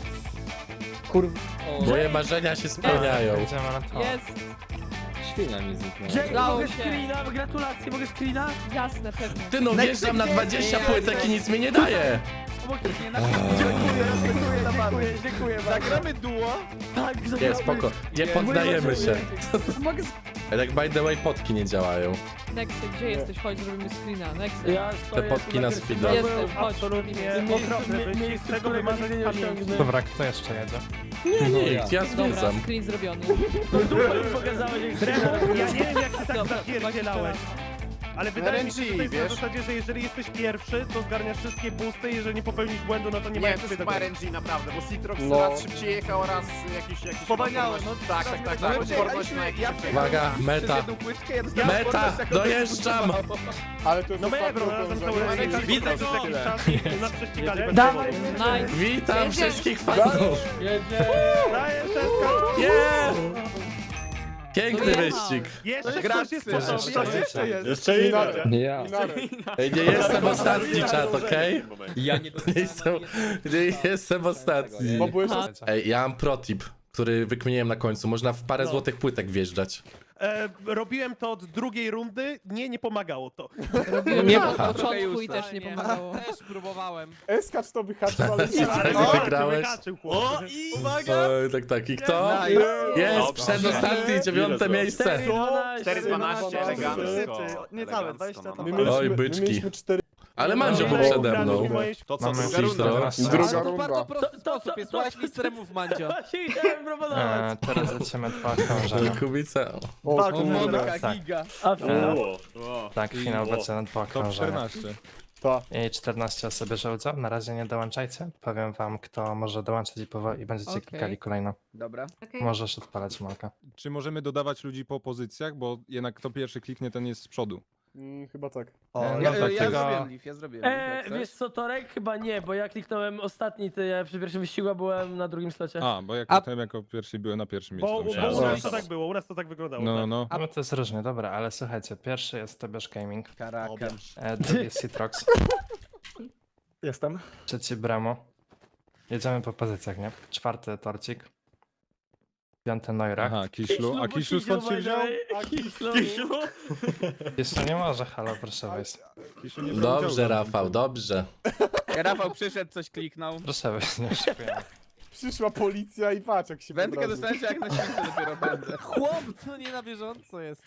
[SPEAKER 9] Kurwa.
[SPEAKER 3] Moje marzenia się spełniają.
[SPEAKER 2] Idziemy na to.
[SPEAKER 6] Jest!
[SPEAKER 9] Świnia mi zniknęła.
[SPEAKER 11] Jake,
[SPEAKER 6] Udało
[SPEAKER 11] mogę
[SPEAKER 6] się.
[SPEAKER 11] screena? Gratulacje, mogę screena?
[SPEAKER 6] Jasne, pewnie.
[SPEAKER 3] Ty no wjeżdżam na dwadzieścia płytek i nic mi nie daje.
[SPEAKER 11] Obok nie na Dziękuję, dziękuję, dziękuję bardzo.
[SPEAKER 7] Zagramy duo?
[SPEAKER 11] Tak,
[SPEAKER 3] Nie,
[SPEAKER 11] zagramy.
[SPEAKER 3] spoko, nie poddajemy się. Tak by the way potki nie działają.
[SPEAKER 6] Nexy, gdzie jesteś? Chodź, zrobimy screena. Nexy.
[SPEAKER 11] Ja stoję
[SPEAKER 3] potki
[SPEAKER 11] tu
[SPEAKER 3] na
[SPEAKER 11] Gryffinie.
[SPEAKER 3] speeda.
[SPEAKER 6] Jestem, chodź.
[SPEAKER 5] Absolutnie
[SPEAKER 11] Miejsce-
[SPEAKER 5] okropny
[SPEAKER 11] mie-
[SPEAKER 5] wyścig,
[SPEAKER 11] miejsce,
[SPEAKER 5] z tego
[SPEAKER 11] którego
[SPEAKER 5] wymarzeń
[SPEAKER 11] nie
[SPEAKER 5] z pamięci.
[SPEAKER 11] osiągnę.
[SPEAKER 2] Dobra, kto jeszcze jedzie?
[SPEAKER 3] Nie, nikt, ja
[SPEAKER 6] Dobra,
[SPEAKER 3] zwiedzam.
[SPEAKER 6] screen zrobiony.
[SPEAKER 11] Dupę mi pokazałeś, jak screena.
[SPEAKER 5] Ja nie wiem jak ty tak
[SPEAKER 6] Dobra,
[SPEAKER 5] zapierdzielałeś. Ale wydaje mi się, że to jest na
[SPEAKER 7] wiesz?
[SPEAKER 5] zasadzie, że jeżeli jesteś pierwszy, to zgarniasz wszystkie boosty, jeżeli nie popełnisz błędu, no to nie ma
[SPEAKER 7] Nie,
[SPEAKER 5] jak
[SPEAKER 7] to
[SPEAKER 5] sobie
[SPEAKER 7] jest
[SPEAKER 5] tego.
[SPEAKER 7] R N G naprawdę, bo Citrox
[SPEAKER 4] No.
[SPEAKER 7] raz szybciej jechał, raz jakiś... jakiś
[SPEAKER 5] Spowalniało,
[SPEAKER 7] odporność-
[SPEAKER 5] no,
[SPEAKER 7] Tak, tak, tak, tak, odporność na jakiś...
[SPEAKER 3] Uwaga, meta. Meta, dojeżdżam.
[SPEAKER 4] Ale to jest
[SPEAKER 5] No
[SPEAKER 4] ostatnie
[SPEAKER 5] Ebro, razem z
[SPEAKER 4] okrążenie.
[SPEAKER 5] Aurelią.
[SPEAKER 7] Widzę
[SPEAKER 5] Widzę
[SPEAKER 7] go.
[SPEAKER 5] jakiś czas i nas prześcigali bez
[SPEAKER 11] Dawaj,
[SPEAKER 5] powodu.
[SPEAKER 6] Nice.
[SPEAKER 3] Witam wszystkich fanów.
[SPEAKER 11] Jedzie.
[SPEAKER 5] Daję szeskę.
[SPEAKER 3] Yeah! Piękny
[SPEAKER 6] Dojechał.
[SPEAKER 3] wyścig.
[SPEAKER 5] Jeszcze ktoś jest
[SPEAKER 2] Jeszcze
[SPEAKER 5] po tobie.
[SPEAKER 2] jest.
[SPEAKER 7] Jeszcze jest.
[SPEAKER 4] Jeszcze Inarek.
[SPEAKER 9] Nie ja.
[SPEAKER 4] Inarek.
[SPEAKER 3] Ej, nie jestem ostatni czat, okej?
[SPEAKER 9] Ja nie
[SPEAKER 3] Nie
[SPEAKER 9] dostałem.
[SPEAKER 3] jestem, nie jestem ostatni.
[SPEAKER 4] Bo byłeś
[SPEAKER 6] Aha.
[SPEAKER 3] Ej, ja mam protip, który wykminiłem na końcu. Można w parę
[SPEAKER 5] No.
[SPEAKER 3] złotych płytek wjeżdżać.
[SPEAKER 5] E, robiłem to od drugiej rundy, nie, nie pomagało to.
[SPEAKER 6] Robiłem
[SPEAKER 9] Nie
[SPEAKER 6] to od
[SPEAKER 9] ma.
[SPEAKER 6] początku i też nie pomagało.
[SPEAKER 1] Też próbowałem.
[SPEAKER 4] Eskacz to wyhaczył, ale nie
[SPEAKER 3] Tak
[SPEAKER 5] O,
[SPEAKER 3] wygrałeś.
[SPEAKER 5] wyhaczył, chłopcy.
[SPEAKER 3] Oj, tak, tak. I kto? Jest, przedostatni, dziewiąte miejsce.
[SPEAKER 7] cztery dwanaście, elegancko.
[SPEAKER 11] Niecałe,
[SPEAKER 7] dwadzieścia
[SPEAKER 4] My
[SPEAKER 3] Oj,
[SPEAKER 4] mieliśmy, my
[SPEAKER 3] byczki.
[SPEAKER 4] mieliśmy cztery...
[SPEAKER 3] Ale Mandzio
[SPEAKER 5] No,
[SPEAKER 3] był
[SPEAKER 5] no,
[SPEAKER 3] przede mną.
[SPEAKER 7] To co,
[SPEAKER 2] Mamy
[SPEAKER 7] druga runda?
[SPEAKER 2] czternaście.
[SPEAKER 4] Druga
[SPEAKER 1] To
[SPEAKER 4] runda.
[SPEAKER 1] bardzo prosty
[SPEAKER 11] To- to-
[SPEAKER 1] sposób jest.
[SPEAKER 11] to-
[SPEAKER 1] Słuchaj misteremów, Mandzio.
[SPEAKER 11] Właśnie chciałem proponować.
[SPEAKER 2] E, teraz lecimy dwa okrążenia.
[SPEAKER 3] Kubica.
[SPEAKER 4] O,
[SPEAKER 11] Tak,
[SPEAKER 4] kurde.
[SPEAKER 1] Monika,
[SPEAKER 2] tak.
[SPEAKER 1] giga.
[SPEAKER 11] A finał?
[SPEAKER 2] Tak, finał będzie na dwa okrążenia.
[SPEAKER 4] Ta.
[SPEAKER 2] I czternaście osób bierze udział. Na razie nie dołączajcie. Powiem wam, kto może dołączyć i, powo- i będziecie
[SPEAKER 6] Okej.
[SPEAKER 2] klikali kolejno.
[SPEAKER 1] Dobra.
[SPEAKER 2] Możesz odpalać Molka.
[SPEAKER 12] Czy możemy dodawać ludzi po pozycjach, bo jednak kto pierwszy kliknie, ten jest z przodu.
[SPEAKER 4] Mm, chyba tak.
[SPEAKER 2] E, no
[SPEAKER 1] Ja,
[SPEAKER 2] tak,
[SPEAKER 1] ja
[SPEAKER 2] tego...
[SPEAKER 1] zrobiłem leaf, ja zrobiłem leaf, jak
[SPEAKER 11] Eee,
[SPEAKER 1] chcesz.
[SPEAKER 11] wiesz co, Torek? Chyba nie, bo ja kliknąłem ostatni, ty ja przy pierwszym wyścigu a byłem na drugim slocie.
[SPEAKER 12] A, bo jak
[SPEAKER 1] A-
[SPEAKER 12] kliknąłem jako pierwszy, byłem na pierwszym
[SPEAKER 5] Bo,
[SPEAKER 12] miejscu.
[SPEAKER 5] bo
[SPEAKER 12] myślałem,
[SPEAKER 5] u
[SPEAKER 12] że-
[SPEAKER 5] nas to tak było, u nas to tak wyglądało.
[SPEAKER 12] No,
[SPEAKER 5] tak.
[SPEAKER 12] no.
[SPEAKER 2] No to jest różnie, dobra, ale słuchajcie, pierwszy jest Tobiasz Gaming,
[SPEAKER 1] Karaka.
[SPEAKER 2] e, drugi jest Citrox,
[SPEAKER 9] Jestem.
[SPEAKER 2] trzeci Bremo. Jedziemy po pozycjach, nie? Czwarty Torcik. Piąty Neurach.
[SPEAKER 12] Aha, Kiślu. A Kiślu skąd się wziął?
[SPEAKER 9] Kiślu?
[SPEAKER 2] Jeszcze nie może, halo, proszę wejść.
[SPEAKER 12] Kiślu nie brał
[SPEAKER 3] Dobrze,
[SPEAKER 12] udziału.
[SPEAKER 3] Rafał, dobrze.
[SPEAKER 1] Rafał przyszedł, coś kliknął.
[SPEAKER 2] Proszę wejść, nie oszukujemy.
[SPEAKER 4] Przyszła policja i patrz jak się
[SPEAKER 1] Wędkę
[SPEAKER 4] podraził.
[SPEAKER 1] dostałem się jak na świecie dopiero będę. Chłop, to nie na bieżąco jest.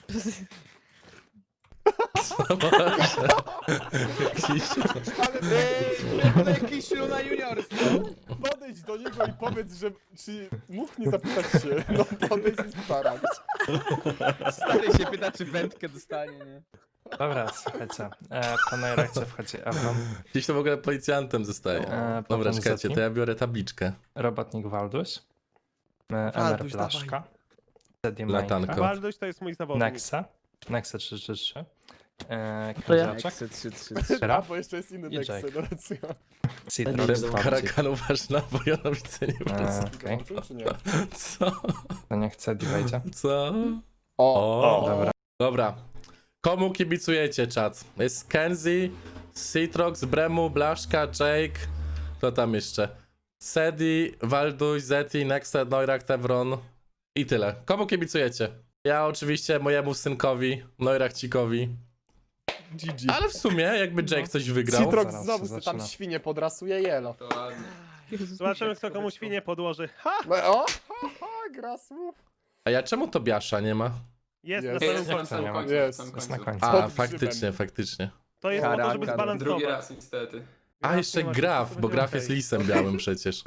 [SPEAKER 3] Kiślu.
[SPEAKER 1] Ale jakiś ślu na juniorstwo.
[SPEAKER 4] Podejdź do niego i powiedz, że czy mógł nie zapytać się. No podejdź i starać.
[SPEAKER 1] Stary się pyta, czy wędkę dostanie, nie?
[SPEAKER 2] Dobra, słuchajcie. E, po Neurachcie wchodzi Evron,
[SPEAKER 3] Kiślu w ogóle policjantem zostaje.
[SPEAKER 2] E,
[SPEAKER 3] Dobra,
[SPEAKER 2] potem
[SPEAKER 3] czekajcie,
[SPEAKER 2] Zeti.
[SPEAKER 3] to ja biorę tabliczkę.
[SPEAKER 2] Robotnik Walduś, e, Emer
[SPEAKER 1] Walduś,
[SPEAKER 2] Blaszka, Zedi
[SPEAKER 3] Latanko.
[SPEAKER 2] Mańka,
[SPEAKER 5] Waldoś to jest mój zawodnik.
[SPEAKER 2] Nexa, Nexa trzy trzy trzy, e,
[SPEAKER 11] To ja.
[SPEAKER 2] Kozioczek,
[SPEAKER 1] trzy trzy trzy.
[SPEAKER 4] A,
[SPEAKER 2] Graf,
[SPEAKER 4] bo jeszcze jest inny
[SPEAKER 2] I
[SPEAKER 4] tekst,
[SPEAKER 2] Jake.
[SPEAKER 4] no racja.
[SPEAKER 2] Citrox, Fabci.
[SPEAKER 3] Karakan uważ na Wojanowice nie wrócę.
[SPEAKER 2] E, Okej,
[SPEAKER 4] Dołączył, czy nie?
[SPEAKER 3] Co?
[SPEAKER 2] to niech Cedi wejdzie.
[SPEAKER 3] Co?
[SPEAKER 4] O,
[SPEAKER 3] O,
[SPEAKER 2] Dobra.
[SPEAKER 3] dobra. Komu kibicujecie, czat? Jest Kenzie, Citrox, Bremu, Blaszka, Jake. Kto tam jeszcze? Sedi, Walduś, Zeti, Nexted, Neurach, Tevron. I tyle. Komu kibicujecie? Ja oczywiście mojemu synkowi, Neurachcikowi.
[SPEAKER 4] G G.
[SPEAKER 3] Ale w sumie, jakby Jake coś wygrał.
[SPEAKER 4] Citrox
[SPEAKER 2] Zaraz
[SPEAKER 4] znowu
[SPEAKER 2] się
[SPEAKER 4] sobie tam
[SPEAKER 2] zaczyna.
[SPEAKER 4] świnie podrasuje jelo.
[SPEAKER 6] Jezus,
[SPEAKER 5] Zobaczymy, kto komu świnie podłoży. Ha!
[SPEAKER 4] No, o, ha, ha, gra słów.
[SPEAKER 3] A ja czemu Tobiasza nie ma?
[SPEAKER 5] Jest,
[SPEAKER 4] Jest.
[SPEAKER 5] na
[SPEAKER 2] Jak
[SPEAKER 5] samym
[SPEAKER 2] to nie ma?
[SPEAKER 5] końcu.
[SPEAKER 4] Jest.
[SPEAKER 2] Jest na końcu.
[SPEAKER 3] A,
[SPEAKER 4] Pod
[SPEAKER 3] faktycznie,
[SPEAKER 4] grzybem.
[SPEAKER 3] faktycznie.
[SPEAKER 5] To jest po to, żeby
[SPEAKER 1] Karakan.
[SPEAKER 5] zbalansować.
[SPEAKER 8] niestety.
[SPEAKER 3] A, jeszcze
[SPEAKER 5] nie ma się,
[SPEAKER 3] Graf,
[SPEAKER 5] to
[SPEAKER 3] bo
[SPEAKER 5] będzie
[SPEAKER 3] Graf
[SPEAKER 5] okej.
[SPEAKER 3] jest lisem białym przecież.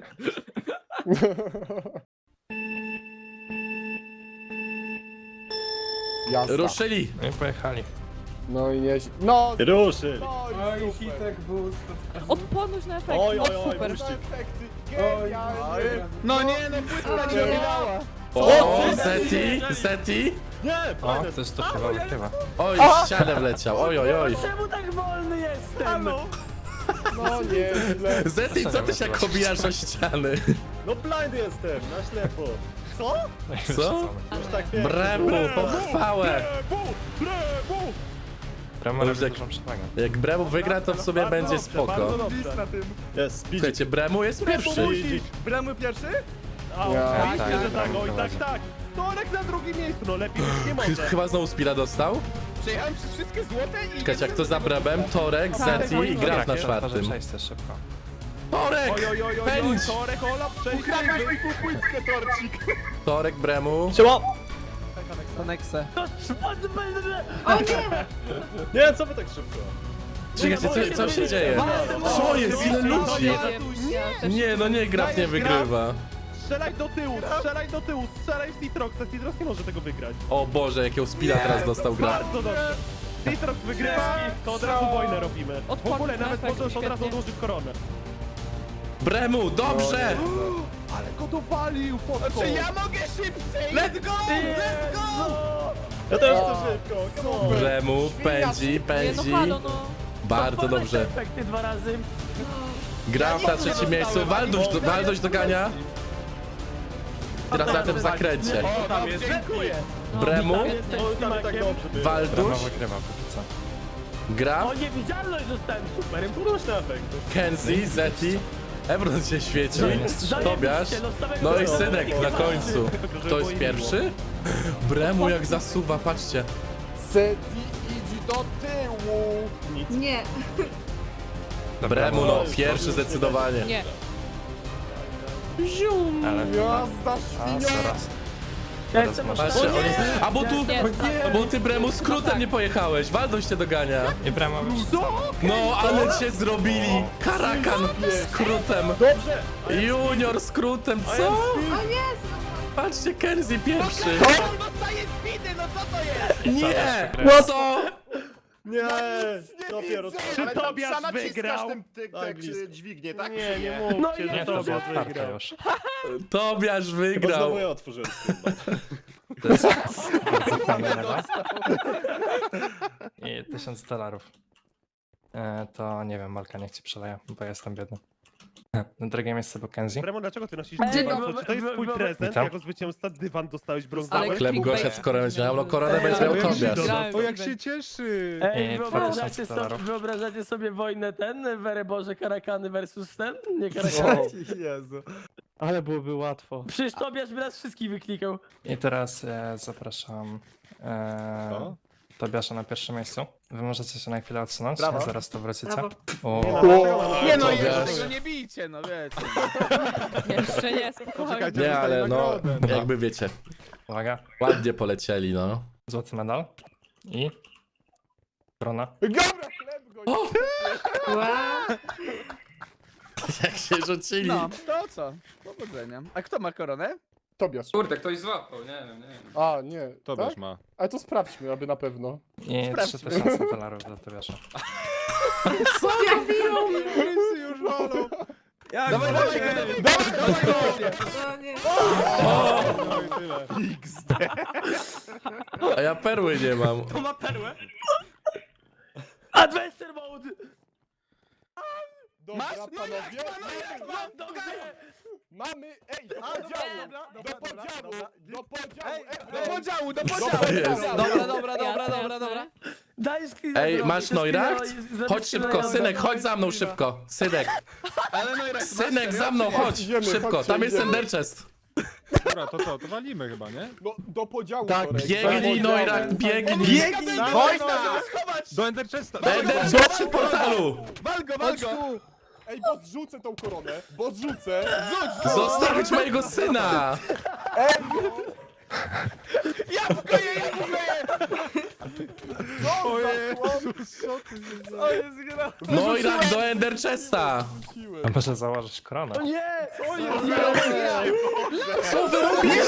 [SPEAKER 4] Jasna.
[SPEAKER 3] Ruszyli!
[SPEAKER 2] No i pojechali.
[SPEAKER 4] No i nie... No,
[SPEAKER 9] Ruszy.
[SPEAKER 4] no i super.
[SPEAKER 6] Odporność na efekt,
[SPEAKER 9] Oj,
[SPEAKER 6] no
[SPEAKER 9] oj, oj,
[SPEAKER 6] super.
[SPEAKER 9] puść.
[SPEAKER 4] Efekty, genialnie.
[SPEAKER 1] No nie, no płytka nie wylała.
[SPEAKER 3] O, Zeti, Zeti!
[SPEAKER 9] Nie,
[SPEAKER 2] O,
[SPEAKER 9] prawie.
[SPEAKER 2] ktoś to chyba wykrywa.
[SPEAKER 3] Oj, w ścianę wleciał, oj, oj, oj.
[SPEAKER 11] Czemu tak wolny jestem?
[SPEAKER 4] No nieźle.
[SPEAKER 3] Zeti, co ty się obijasz o ściany?
[SPEAKER 9] No blind jestem, na ślepo. Co?
[SPEAKER 3] Co?
[SPEAKER 9] Już tak wiem.
[SPEAKER 3] Bremu, pochwałę!
[SPEAKER 2] Brama
[SPEAKER 3] Dobrze,
[SPEAKER 2] robi
[SPEAKER 3] jak-
[SPEAKER 2] dużą przewagę.
[SPEAKER 3] Jak Bremu wygra, to w sumie
[SPEAKER 5] Bardzo
[SPEAKER 3] będzie
[SPEAKER 5] dobrze,
[SPEAKER 3] spoko.
[SPEAKER 5] bardzo dobrze.
[SPEAKER 9] Jest, speed.
[SPEAKER 3] Słuchajcie, Bremu jest pierwszy.
[SPEAKER 5] Bramy pierwszy? A,
[SPEAKER 4] Ja.
[SPEAKER 5] oczywiście,
[SPEAKER 2] Tak,
[SPEAKER 5] że tak,
[SPEAKER 2] Bramy
[SPEAKER 5] oj, tak,
[SPEAKER 2] prowadzi.
[SPEAKER 5] tak. Torek na drugim miejscu, no lepiej już nie
[SPEAKER 3] Ch-
[SPEAKER 5] może.
[SPEAKER 3] Chyba znowu Spira dostał?
[SPEAKER 1] Przejechałem przez wszystkie złote i...
[SPEAKER 3] Czekajcie, jak to za Bremem? Torek, Zeti i Graf na
[SPEAKER 2] Otworzę
[SPEAKER 3] czwartym.
[SPEAKER 2] przejście szybko.
[SPEAKER 3] Torek!
[SPEAKER 5] Oj, oj, oj, oj, oj,
[SPEAKER 3] Pędź!
[SPEAKER 5] Torek, Ola, przejdzie.
[SPEAKER 7] Płytkę torcik.
[SPEAKER 3] Torek, Bremu.
[SPEAKER 1] To Nexe.
[SPEAKER 9] Nie, co wy tak szybko?
[SPEAKER 3] Czekajcie, co, co się dzieje? Co jest? Ile ludzi? Nie, no nie, Graf nie wygrywa.
[SPEAKER 5] Strzelaj do tyłu, strzelaj do tyłu, strzelaj w Citroxa. Citrox nie może tego wygrać.
[SPEAKER 3] O Boże, jakiego Spira teraz dostał Graf.
[SPEAKER 5] Bardzo dobrze. Citrox wygrywa, to od razu wojnę robimy. W
[SPEAKER 6] Odporny
[SPEAKER 5] ogóle nawet
[SPEAKER 6] efekt,
[SPEAKER 5] możesz od razu
[SPEAKER 6] świetnie.
[SPEAKER 5] odłożyć koronę.
[SPEAKER 3] Bremu, dobrze!
[SPEAKER 5] Ale go dowalił, podko.
[SPEAKER 1] Czy ja mogę szybciej? Let's go! Let's go!
[SPEAKER 9] Ja też chcę szybko, come on.
[SPEAKER 3] Bremu pędzi,
[SPEAKER 6] Nie, no
[SPEAKER 3] pędzi.
[SPEAKER 6] halo, no.
[SPEAKER 3] Bardzo dobrze.
[SPEAKER 11] Efekty dwa razy.
[SPEAKER 3] Graf na trzecim miejscu, Walduś, Walduś dogania. Teraz na tym zakręcie.
[SPEAKER 9] O, tam jest, dziękuję.
[SPEAKER 3] Bremu,
[SPEAKER 6] Świetnie.
[SPEAKER 9] O, tam tak dobrze było.
[SPEAKER 2] Brama
[SPEAKER 3] Walduś,
[SPEAKER 2] wygrywa póki co.
[SPEAKER 3] Graf,
[SPEAKER 11] O, niewidzialność zostałem, super.
[SPEAKER 9] Różne efekty.
[SPEAKER 3] Kenzie, Zeti. Ebron się świeci. Tobiasz.
[SPEAKER 11] Zajebiście, no, z
[SPEAKER 3] No i
[SPEAKER 11] samego
[SPEAKER 3] synek na końcu. Kto jest pierwszy? Bremu jak zasuwa, patrzcie.
[SPEAKER 4] Seti idź do tyłu.
[SPEAKER 13] Nie.
[SPEAKER 3] Bremu no, pierwszy zdecydowanie.
[SPEAKER 6] Nie.
[SPEAKER 2] Ale
[SPEAKER 4] Jazda
[SPEAKER 2] a,
[SPEAKER 4] świnia.
[SPEAKER 2] zaraz.
[SPEAKER 11] Ja jestem
[SPEAKER 3] Patrzcie, on jest... A bo tu...
[SPEAKER 6] Nie, tak.
[SPEAKER 3] Bo ty Bremu skrótem nie pojechałeś, Walduś cię dogania.
[SPEAKER 2] I Brama
[SPEAKER 3] No, ale cię zrobili! Karakan skrótem!
[SPEAKER 9] Dobrze.
[SPEAKER 3] Junior skrótem, co?
[SPEAKER 13] O Jezu.
[SPEAKER 3] Patrzcie, Kenzie pierwszy!
[SPEAKER 1] On dostaje speedy, no co to jest?
[SPEAKER 3] Nie!
[SPEAKER 2] No
[SPEAKER 3] Co?
[SPEAKER 9] Nie, dopiero co.
[SPEAKER 5] Czy
[SPEAKER 7] Ale tam
[SPEAKER 5] Tobiasz
[SPEAKER 7] psa naciskasz
[SPEAKER 5] wygrał?
[SPEAKER 7] Ten, ty,
[SPEAKER 9] Tak,
[SPEAKER 7] te,
[SPEAKER 9] blisko.
[SPEAKER 7] dźwignię, tak?
[SPEAKER 5] Nie,
[SPEAKER 7] czy
[SPEAKER 5] nie
[SPEAKER 11] No
[SPEAKER 5] mówcie,
[SPEAKER 11] nie,
[SPEAKER 5] że
[SPEAKER 2] Nie, to już
[SPEAKER 5] Tobiasz
[SPEAKER 2] otwarte
[SPEAKER 5] wygrał.
[SPEAKER 2] już.
[SPEAKER 3] Tobiasz
[SPEAKER 9] Chyba
[SPEAKER 3] wygrał!
[SPEAKER 9] znowu ja otworzyłem skrzynkę.
[SPEAKER 2] To jest bardzo fajna lewa. I tysiąc dolarów. E, to nie wiem, Malka niech ci przeleje, bo ja jestem biedny. Na drugie miejsce był Kenzie.
[SPEAKER 5] Bremo, dlaczego ty nosisz
[SPEAKER 13] Dzień
[SPEAKER 5] dywan?
[SPEAKER 11] dobry.
[SPEAKER 5] Czy to jest twój prezent?
[SPEAKER 2] Witam.
[SPEAKER 5] Jako zwycięzca dywan dostałeś
[SPEAKER 6] Ale
[SPEAKER 5] brązowy?
[SPEAKER 3] Chleb
[SPEAKER 6] clickbait.
[SPEAKER 3] Gosia z koronę będzie miał, no koronę będzie miał Tobiasz.
[SPEAKER 6] Grałem
[SPEAKER 12] O, jak
[SPEAKER 6] w
[SPEAKER 12] się cieszy!
[SPEAKER 11] Ej,
[SPEAKER 2] I
[SPEAKER 11] wyobrażacie
[SPEAKER 2] dwa tysiące
[SPEAKER 11] sobie,
[SPEAKER 2] dolarów.
[SPEAKER 11] wyobrażacie sobie wojnę ten, Wery Boże, Karakany versus ten? Nie Karakany.
[SPEAKER 4] Jezu.
[SPEAKER 5] Ale byłoby łatwo.
[SPEAKER 11] Przecież Tobiasz by nas wszystkich wyklikał.
[SPEAKER 2] I teraz e, zapraszam e,
[SPEAKER 12] Co?
[SPEAKER 2] Tobiasza na pierwszym miejscu. Wy możecie się na chwilę odsunąć,
[SPEAKER 7] Brawo.
[SPEAKER 2] zaraz tu wrócicie.
[SPEAKER 11] Brawo.
[SPEAKER 2] O,
[SPEAKER 7] Nie no,
[SPEAKER 3] Tobiasz.
[SPEAKER 7] jeszcze tego nie bijcie, no wiecie.
[SPEAKER 6] Jeszcze nie, spokojnie.
[SPEAKER 4] Poczekajcie,
[SPEAKER 3] Nie, ale no,
[SPEAKER 4] nagrodę.
[SPEAKER 3] jakby wiecie,
[SPEAKER 2] uwaga,
[SPEAKER 3] ładnie polecieli, no.
[SPEAKER 2] złoty medal i korona.
[SPEAKER 4] Dobra, chleb go!
[SPEAKER 3] Jak się rzucili.
[SPEAKER 7] No, to co? Powodzenia. A kto ma koronę?
[SPEAKER 4] Tobiasz.
[SPEAKER 8] Kurde, ktoś złapał, nie wiem, nie wiem.
[SPEAKER 4] A, nie.
[SPEAKER 12] Tobiasz
[SPEAKER 4] Tak?
[SPEAKER 12] ma.
[SPEAKER 4] Ale to sprawdźmy, aby na pewno.
[SPEAKER 2] I trzy tysiące dolarów dla Tobiasza.
[SPEAKER 4] Wszyscy już walą.
[SPEAKER 1] Jak
[SPEAKER 7] Dawaj, dawaj, dawaj, dawaj,
[SPEAKER 9] No nie.
[SPEAKER 4] No i tyle.
[SPEAKER 3] A ja perły nie mam.
[SPEAKER 11] To ma perłę. Adventure mode!
[SPEAKER 4] Dobra,
[SPEAKER 7] Masz? No
[SPEAKER 4] panowie.
[SPEAKER 7] jak, no jak,
[SPEAKER 4] Mamy,
[SPEAKER 7] mam,
[SPEAKER 11] Dobrze!
[SPEAKER 4] mamy, ej, do podziału, do podziału, do podziału, ej,
[SPEAKER 7] Do podziału, do
[SPEAKER 3] Co
[SPEAKER 7] podziału.
[SPEAKER 3] jest?
[SPEAKER 1] Dobra, dobra, dobra,
[SPEAKER 6] Jasne,
[SPEAKER 1] dobra,
[SPEAKER 6] jasne.
[SPEAKER 1] dobra.
[SPEAKER 11] Daj screena
[SPEAKER 3] Ej,
[SPEAKER 11] zrobić,
[SPEAKER 3] masz
[SPEAKER 11] to
[SPEAKER 3] Neurakt?
[SPEAKER 11] screena i- zrobić
[SPEAKER 3] Chodź
[SPEAKER 11] screena
[SPEAKER 3] szybko,
[SPEAKER 11] i-
[SPEAKER 3] synek, chodź za mną szybko. Synek,
[SPEAKER 7] Ale no i raz,
[SPEAKER 3] synek
[SPEAKER 7] masz
[SPEAKER 3] za mną,
[SPEAKER 7] serio?
[SPEAKER 3] chodź.
[SPEAKER 4] Idziemy,
[SPEAKER 3] Szybko,
[SPEAKER 4] chodźcie,
[SPEAKER 3] tam jest
[SPEAKER 4] idziemy.
[SPEAKER 3] Ender Chest.
[SPEAKER 12] Dobra, to co, to walimy chyba, nie?
[SPEAKER 4] No, do podziału,
[SPEAKER 3] Tak,
[SPEAKER 4] Torek, do
[SPEAKER 3] biegnij
[SPEAKER 4] podziału.
[SPEAKER 3] Neurakt, biegnij.
[SPEAKER 7] Biegnij! Chodź tam, żeby schować!
[SPEAKER 12] Do Ender Chesta!
[SPEAKER 3] Ender Chest przy portalu.
[SPEAKER 7] Wal go, wal go!
[SPEAKER 4] Ej, bo zrzucę tą koronę, bo zrzucę.
[SPEAKER 3] Zostawić mojego syna.
[SPEAKER 7] Jabłko je, jabłko je!
[SPEAKER 4] Co za chłop?
[SPEAKER 7] O, jest gra.
[SPEAKER 3] Neurakt do Ender Chesta.
[SPEAKER 2] A może założysz koronę?
[SPEAKER 11] O nie!
[SPEAKER 4] Co jest?
[SPEAKER 3] Co wy robicie?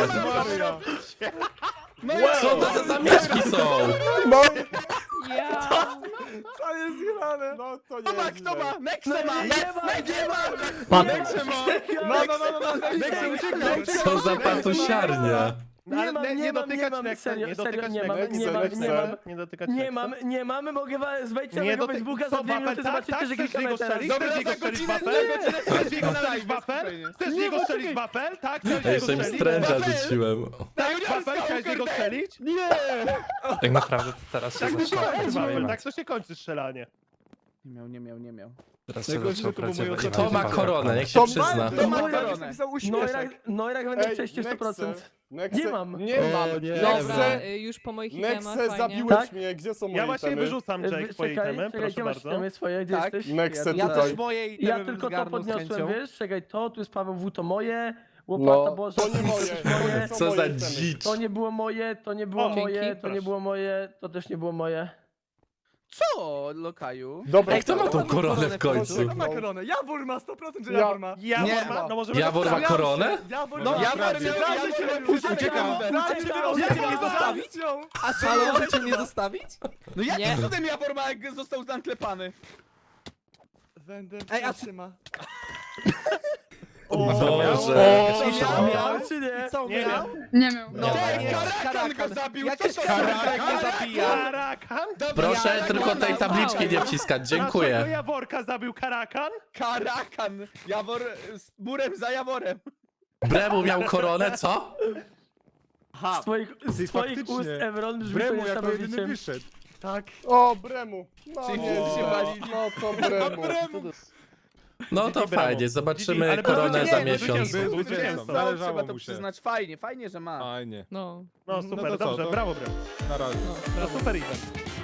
[SPEAKER 7] No i
[SPEAKER 3] Co to za zamieszki są?
[SPEAKER 4] No,
[SPEAKER 6] Ja.
[SPEAKER 7] co jest grane?
[SPEAKER 4] no to nie
[SPEAKER 7] Kto ma,
[SPEAKER 4] jest
[SPEAKER 7] kto
[SPEAKER 4] źle.
[SPEAKER 7] ma? Nexe
[SPEAKER 11] No
[SPEAKER 7] ma!
[SPEAKER 11] nie, nie ma,
[SPEAKER 7] Nexe ma!
[SPEAKER 11] Pan-
[SPEAKER 7] Nexe ma! No, no, no, no, no, Nexe ucieka!
[SPEAKER 3] Co za patusiarnia.
[SPEAKER 5] No,
[SPEAKER 11] Nie
[SPEAKER 5] ale
[SPEAKER 11] mam,
[SPEAKER 5] nie,
[SPEAKER 11] nie
[SPEAKER 5] nie
[SPEAKER 11] mam, nie
[SPEAKER 5] dotykać
[SPEAKER 11] mam,
[SPEAKER 5] Nexa,
[SPEAKER 11] serio,
[SPEAKER 5] nie
[SPEAKER 11] serio,
[SPEAKER 5] dotykać
[SPEAKER 11] nie mam,
[SPEAKER 5] Nexa.
[SPEAKER 11] nie mam, nie mam,
[SPEAKER 5] Nie dotykać
[SPEAKER 11] nie
[SPEAKER 5] Nexa.
[SPEAKER 11] mam, nie mamy, mogę wa- wejdź na
[SPEAKER 5] Nie
[SPEAKER 11] mojego
[SPEAKER 5] doty-
[SPEAKER 11] Facebooka
[SPEAKER 5] co,
[SPEAKER 11] za dwie
[SPEAKER 5] wafel,
[SPEAKER 11] minuty,
[SPEAKER 5] tak,
[SPEAKER 11] zobaczycie,
[SPEAKER 5] tak,
[SPEAKER 11] że
[SPEAKER 5] chcesz
[SPEAKER 11] klikamy
[SPEAKER 5] jego
[SPEAKER 11] teraz.
[SPEAKER 5] strzelić?
[SPEAKER 7] Dobra,
[SPEAKER 5] Chcesz
[SPEAKER 7] za
[SPEAKER 5] jego strzelić
[SPEAKER 7] godzinę,
[SPEAKER 5] wafel?
[SPEAKER 7] za godzinę
[SPEAKER 5] Chcesz
[SPEAKER 7] strzelić
[SPEAKER 5] jego
[SPEAKER 7] na
[SPEAKER 5] strzelić
[SPEAKER 7] live,
[SPEAKER 5] wafel?
[SPEAKER 7] spokojnie.
[SPEAKER 5] Chcesz
[SPEAKER 11] Nie,
[SPEAKER 5] jego
[SPEAKER 11] bo
[SPEAKER 5] strzelić
[SPEAKER 11] czekaj.
[SPEAKER 5] wafel? Tak,
[SPEAKER 3] Ja
[SPEAKER 5] chcesz jego
[SPEAKER 3] jeszcze im
[SPEAKER 5] strzelić?
[SPEAKER 3] stręża
[SPEAKER 7] Wafel!
[SPEAKER 3] rzuciłem.
[SPEAKER 5] Tak,
[SPEAKER 7] Juniorska
[SPEAKER 5] wafel, chciałeś jego
[SPEAKER 7] Kurde.
[SPEAKER 5] strzelić?
[SPEAKER 4] Nie!
[SPEAKER 2] Tak naprawdę to teraz się
[SPEAKER 5] Tak,
[SPEAKER 2] zaczyna
[SPEAKER 5] wafel,
[SPEAKER 2] prawdziwy
[SPEAKER 5] tak to się kończy strzelanie.
[SPEAKER 7] Nie miał, nie miał, nie miał.
[SPEAKER 2] Teraz się
[SPEAKER 5] Najgorsze,
[SPEAKER 2] zaczął
[SPEAKER 5] że to był mój
[SPEAKER 2] prawdziwy
[SPEAKER 5] ostatni
[SPEAKER 3] Kto ma
[SPEAKER 2] event.
[SPEAKER 3] koronę? Niech się
[SPEAKER 4] To ma-
[SPEAKER 3] przyzna.
[SPEAKER 7] Kto ma
[SPEAKER 11] Neurakt-
[SPEAKER 7] koronę?
[SPEAKER 11] Neurakt, Neurakt będę
[SPEAKER 4] Ej,
[SPEAKER 11] przejść sto
[SPEAKER 4] Nexe,
[SPEAKER 11] procent.
[SPEAKER 4] Nexe,
[SPEAKER 11] Nie mam.
[SPEAKER 4] Nie mam.
[SPEAKER 5] nie.
[SPEAKER 6] Dobra,
[SPEAKER 4] Nexe,
[SPEAKER 6] y, już po moich itemach,
[SPEAKER 4] Nexe
[SPEAKER 6] fajnie.
[SPEAKER 4] zabiłeś
[SPEAKER 11] Tak?
[SPEAKER 4] mnie, gdzie są moje
[SPEAKER 5] Ja właśnie
[SPEAKER 4] itemy?
[SPEAKER 5] wyrzucam, Jake,
[SPEAKER 11] Czekaj,
[SPEAKER 5] twoje itemy,
[SPEAKER 11] czekaj,
[SPEAKER 5] proszę
[SPEAKER 11] gdzie masz
[SPEAKER 5] bardzo.
[SPEAKER 11] itemy swoje, gdzie
[SPEAKER 7] Tak.
[SPEAKER 11] jesteś?
[SPEAKER 4] Nexe
[SPEAKER 7] Ja
[SPEAKER 4] tutaj.
[SPEAKER 7] też moje itemy
[SPEAKER 11] Ja
[SPEAKER 7] bym
[SPEAKER 11] tylko to
[SPEAKER 7] zgarnął z
[SPEAKER 11] podniosłem,
[SPEAKER 7] chęcią.
[SPEAKER 11] wiesz? Czekaj, to, tu jest Paweł W, to moje. Łopata
[SPEAKER 4] No,
[SPEAKER 11] Boża,
[SPEAKER 4] to nie moje.
[SPEAKER 11] jest
[SPEAKER 4] To
[SPEAKER 11] moje.
[SPEAKER 4] nie są
[SPEAKER 3] Co
[SPEAKER 4] moje
[SPEAKER 3] za
[SPEAKER 4] itemy.
[SPEAKER 3] dzicz.
[SPEAKER 11] To nie było moje, to nie było
[SPEAKER 5] O,
[SPEAKER 11] moje,
[SPEAKER 5] dzięki,
[SPEAKER 11] to nie
[SPEAKER 5] proszę.
[SPEAKER 11] było moje, to też nie było moje.
[SPEAKER 7] Co, Lokaju?
[SPEAKER 4] Dobra,
[SPEAKER 3] Ej, kto ma tą koronę w końcu?
[SPEAKER 4] Kto ma
[SPEAKER 7] koronę? Jawor ma, sto procent, że
[SPEAKER 4] Jawor
[SPEAKER 7] ma.
[SPEAKER 5] Jawor
[SPEAKER 7] Nie
[SPEAKER 5] ma,
[SPEAKER 7] ma.
[SPEAKER 5] no możemy...
[SPEAKER 3] Jawor ma koronę?
[SPEAKER 7] Jawor
[SPEAKER 4] No,
[SPEAKER 7] ma.
[SPEAKER 4] Jawor
[SPEAKER 7] Jawor
[SPEAKER 4] miał-
[SPEAKER 7] miał,
[SPEAKER 4] Jawor
[SPEAKER 7] Jawor
[SPEAKER 4] miał-
[SPEAKER 7] miał, uciekam.
[SPEAKER 6] Możecie mnie zostawić?
[SPEAKER 7] A co,
[SPEAKER 1] Halo,
[SPEAKER 7] możecie
[SPEAKER 1] możecie mnie zostawić?
[SPEAKER 7] No jakim
[SPEAKER 6] Nie.
[SPEAKER 7] cudem Jawor ma, jak został zanklepany?
[SPEAKER 1] Ej, a
[SPEAKER 3] O Boże.
[SPEAKER 11] Miał, miał czy nie?
[SPEAKER 1] co
[SPEAKER 5] Nie
[SPEAKER 1] miał?
[SPEAKER 5] wiem.
[SPEAKER 6] Nie miał.
[SPEAKER 1] No,
[SPEAKER 7] Ej,
[SPEAKER 1] nie,
[SPEAKER 7] Karakan go zabił, co
[SPEAKER 1] Jakieś
[SPEAKER 7] to
[SPEAKER 1] Karakan
[SPEAKER 7] za-
[SPEAKER 1] mnie zabija.
[SPEAKER 5] Karakan?
[SPEAKER 3] Proszę tylko tej tabliczki nie wciskać,
[SPEAKER 5] Dlaczego
[SPEAKER 3] dziękuję.
[SPEAKER 5] Jaworka zabił Karakan?
[SPEAKER 7] Karakan! Jawor z murem za Jaworem.
[SPEAKER 3] Bremu miał koronę, co?
[SPEAKER 11] Z twoich, z twoich
[SPEAKER 12] faktycznie.
[SPEAKER 11] ust, Evron, brzmi to
[SPEAKER 12] Bremu jako jedyny
[SPEAKER 11] niesamowicie.
[SPEAKER 12] wyszedł.
[SPEAKER 4] O, Bremu. No,
[SPEAKER 7] Czyli
[SPEAKER 4] nie,
[SPEAKER 7] wszyscy się walili.
[SPEAKER 4] no to Bremu.
[SPEAKER 3] No to
[SPEAKER 5] Didi
[SPEAKER 3] fajnie,
[SPEAKER 5] Bremu.
[SPEAKER 3] zobaczymy
[SPEAKER 5] Ale
[SPEAKER 3] koronę
[SPEAKER 5] nie,
[SPEAKER 3] za
[SPEAKER 5] bo
[SPEAKER 3] miesiąc.
[SPEAKER 5] zwycięstwo,
[SPEAKER 12] Był
[SPEAKER 5] zwycięstwo.
[SPEAKER 12] zwycięstwo,
[SPEAKER 7] No,
[SPEAKER 12] zależało
[SPEAKER 7] trzeba to
[SPEAKER 12] mu się.
[SPEAKER 7] przyznać, fajnie, fajnie, że ma.
[SPEAKER 12] Fajnie.
[SPEAKER 6] No.
[SPEAKER 5] No
[SPEAKER 12] No
[SPEAKER 5] super,
[SPEAKER 12] to co,
[SPEAKER 5] dobrze,
[SPEAKER 12] to-
[SPEAKER 5] brawo, brawo.
[SPEAKER 12] Na razie.
[SPEAKER 5] No super event.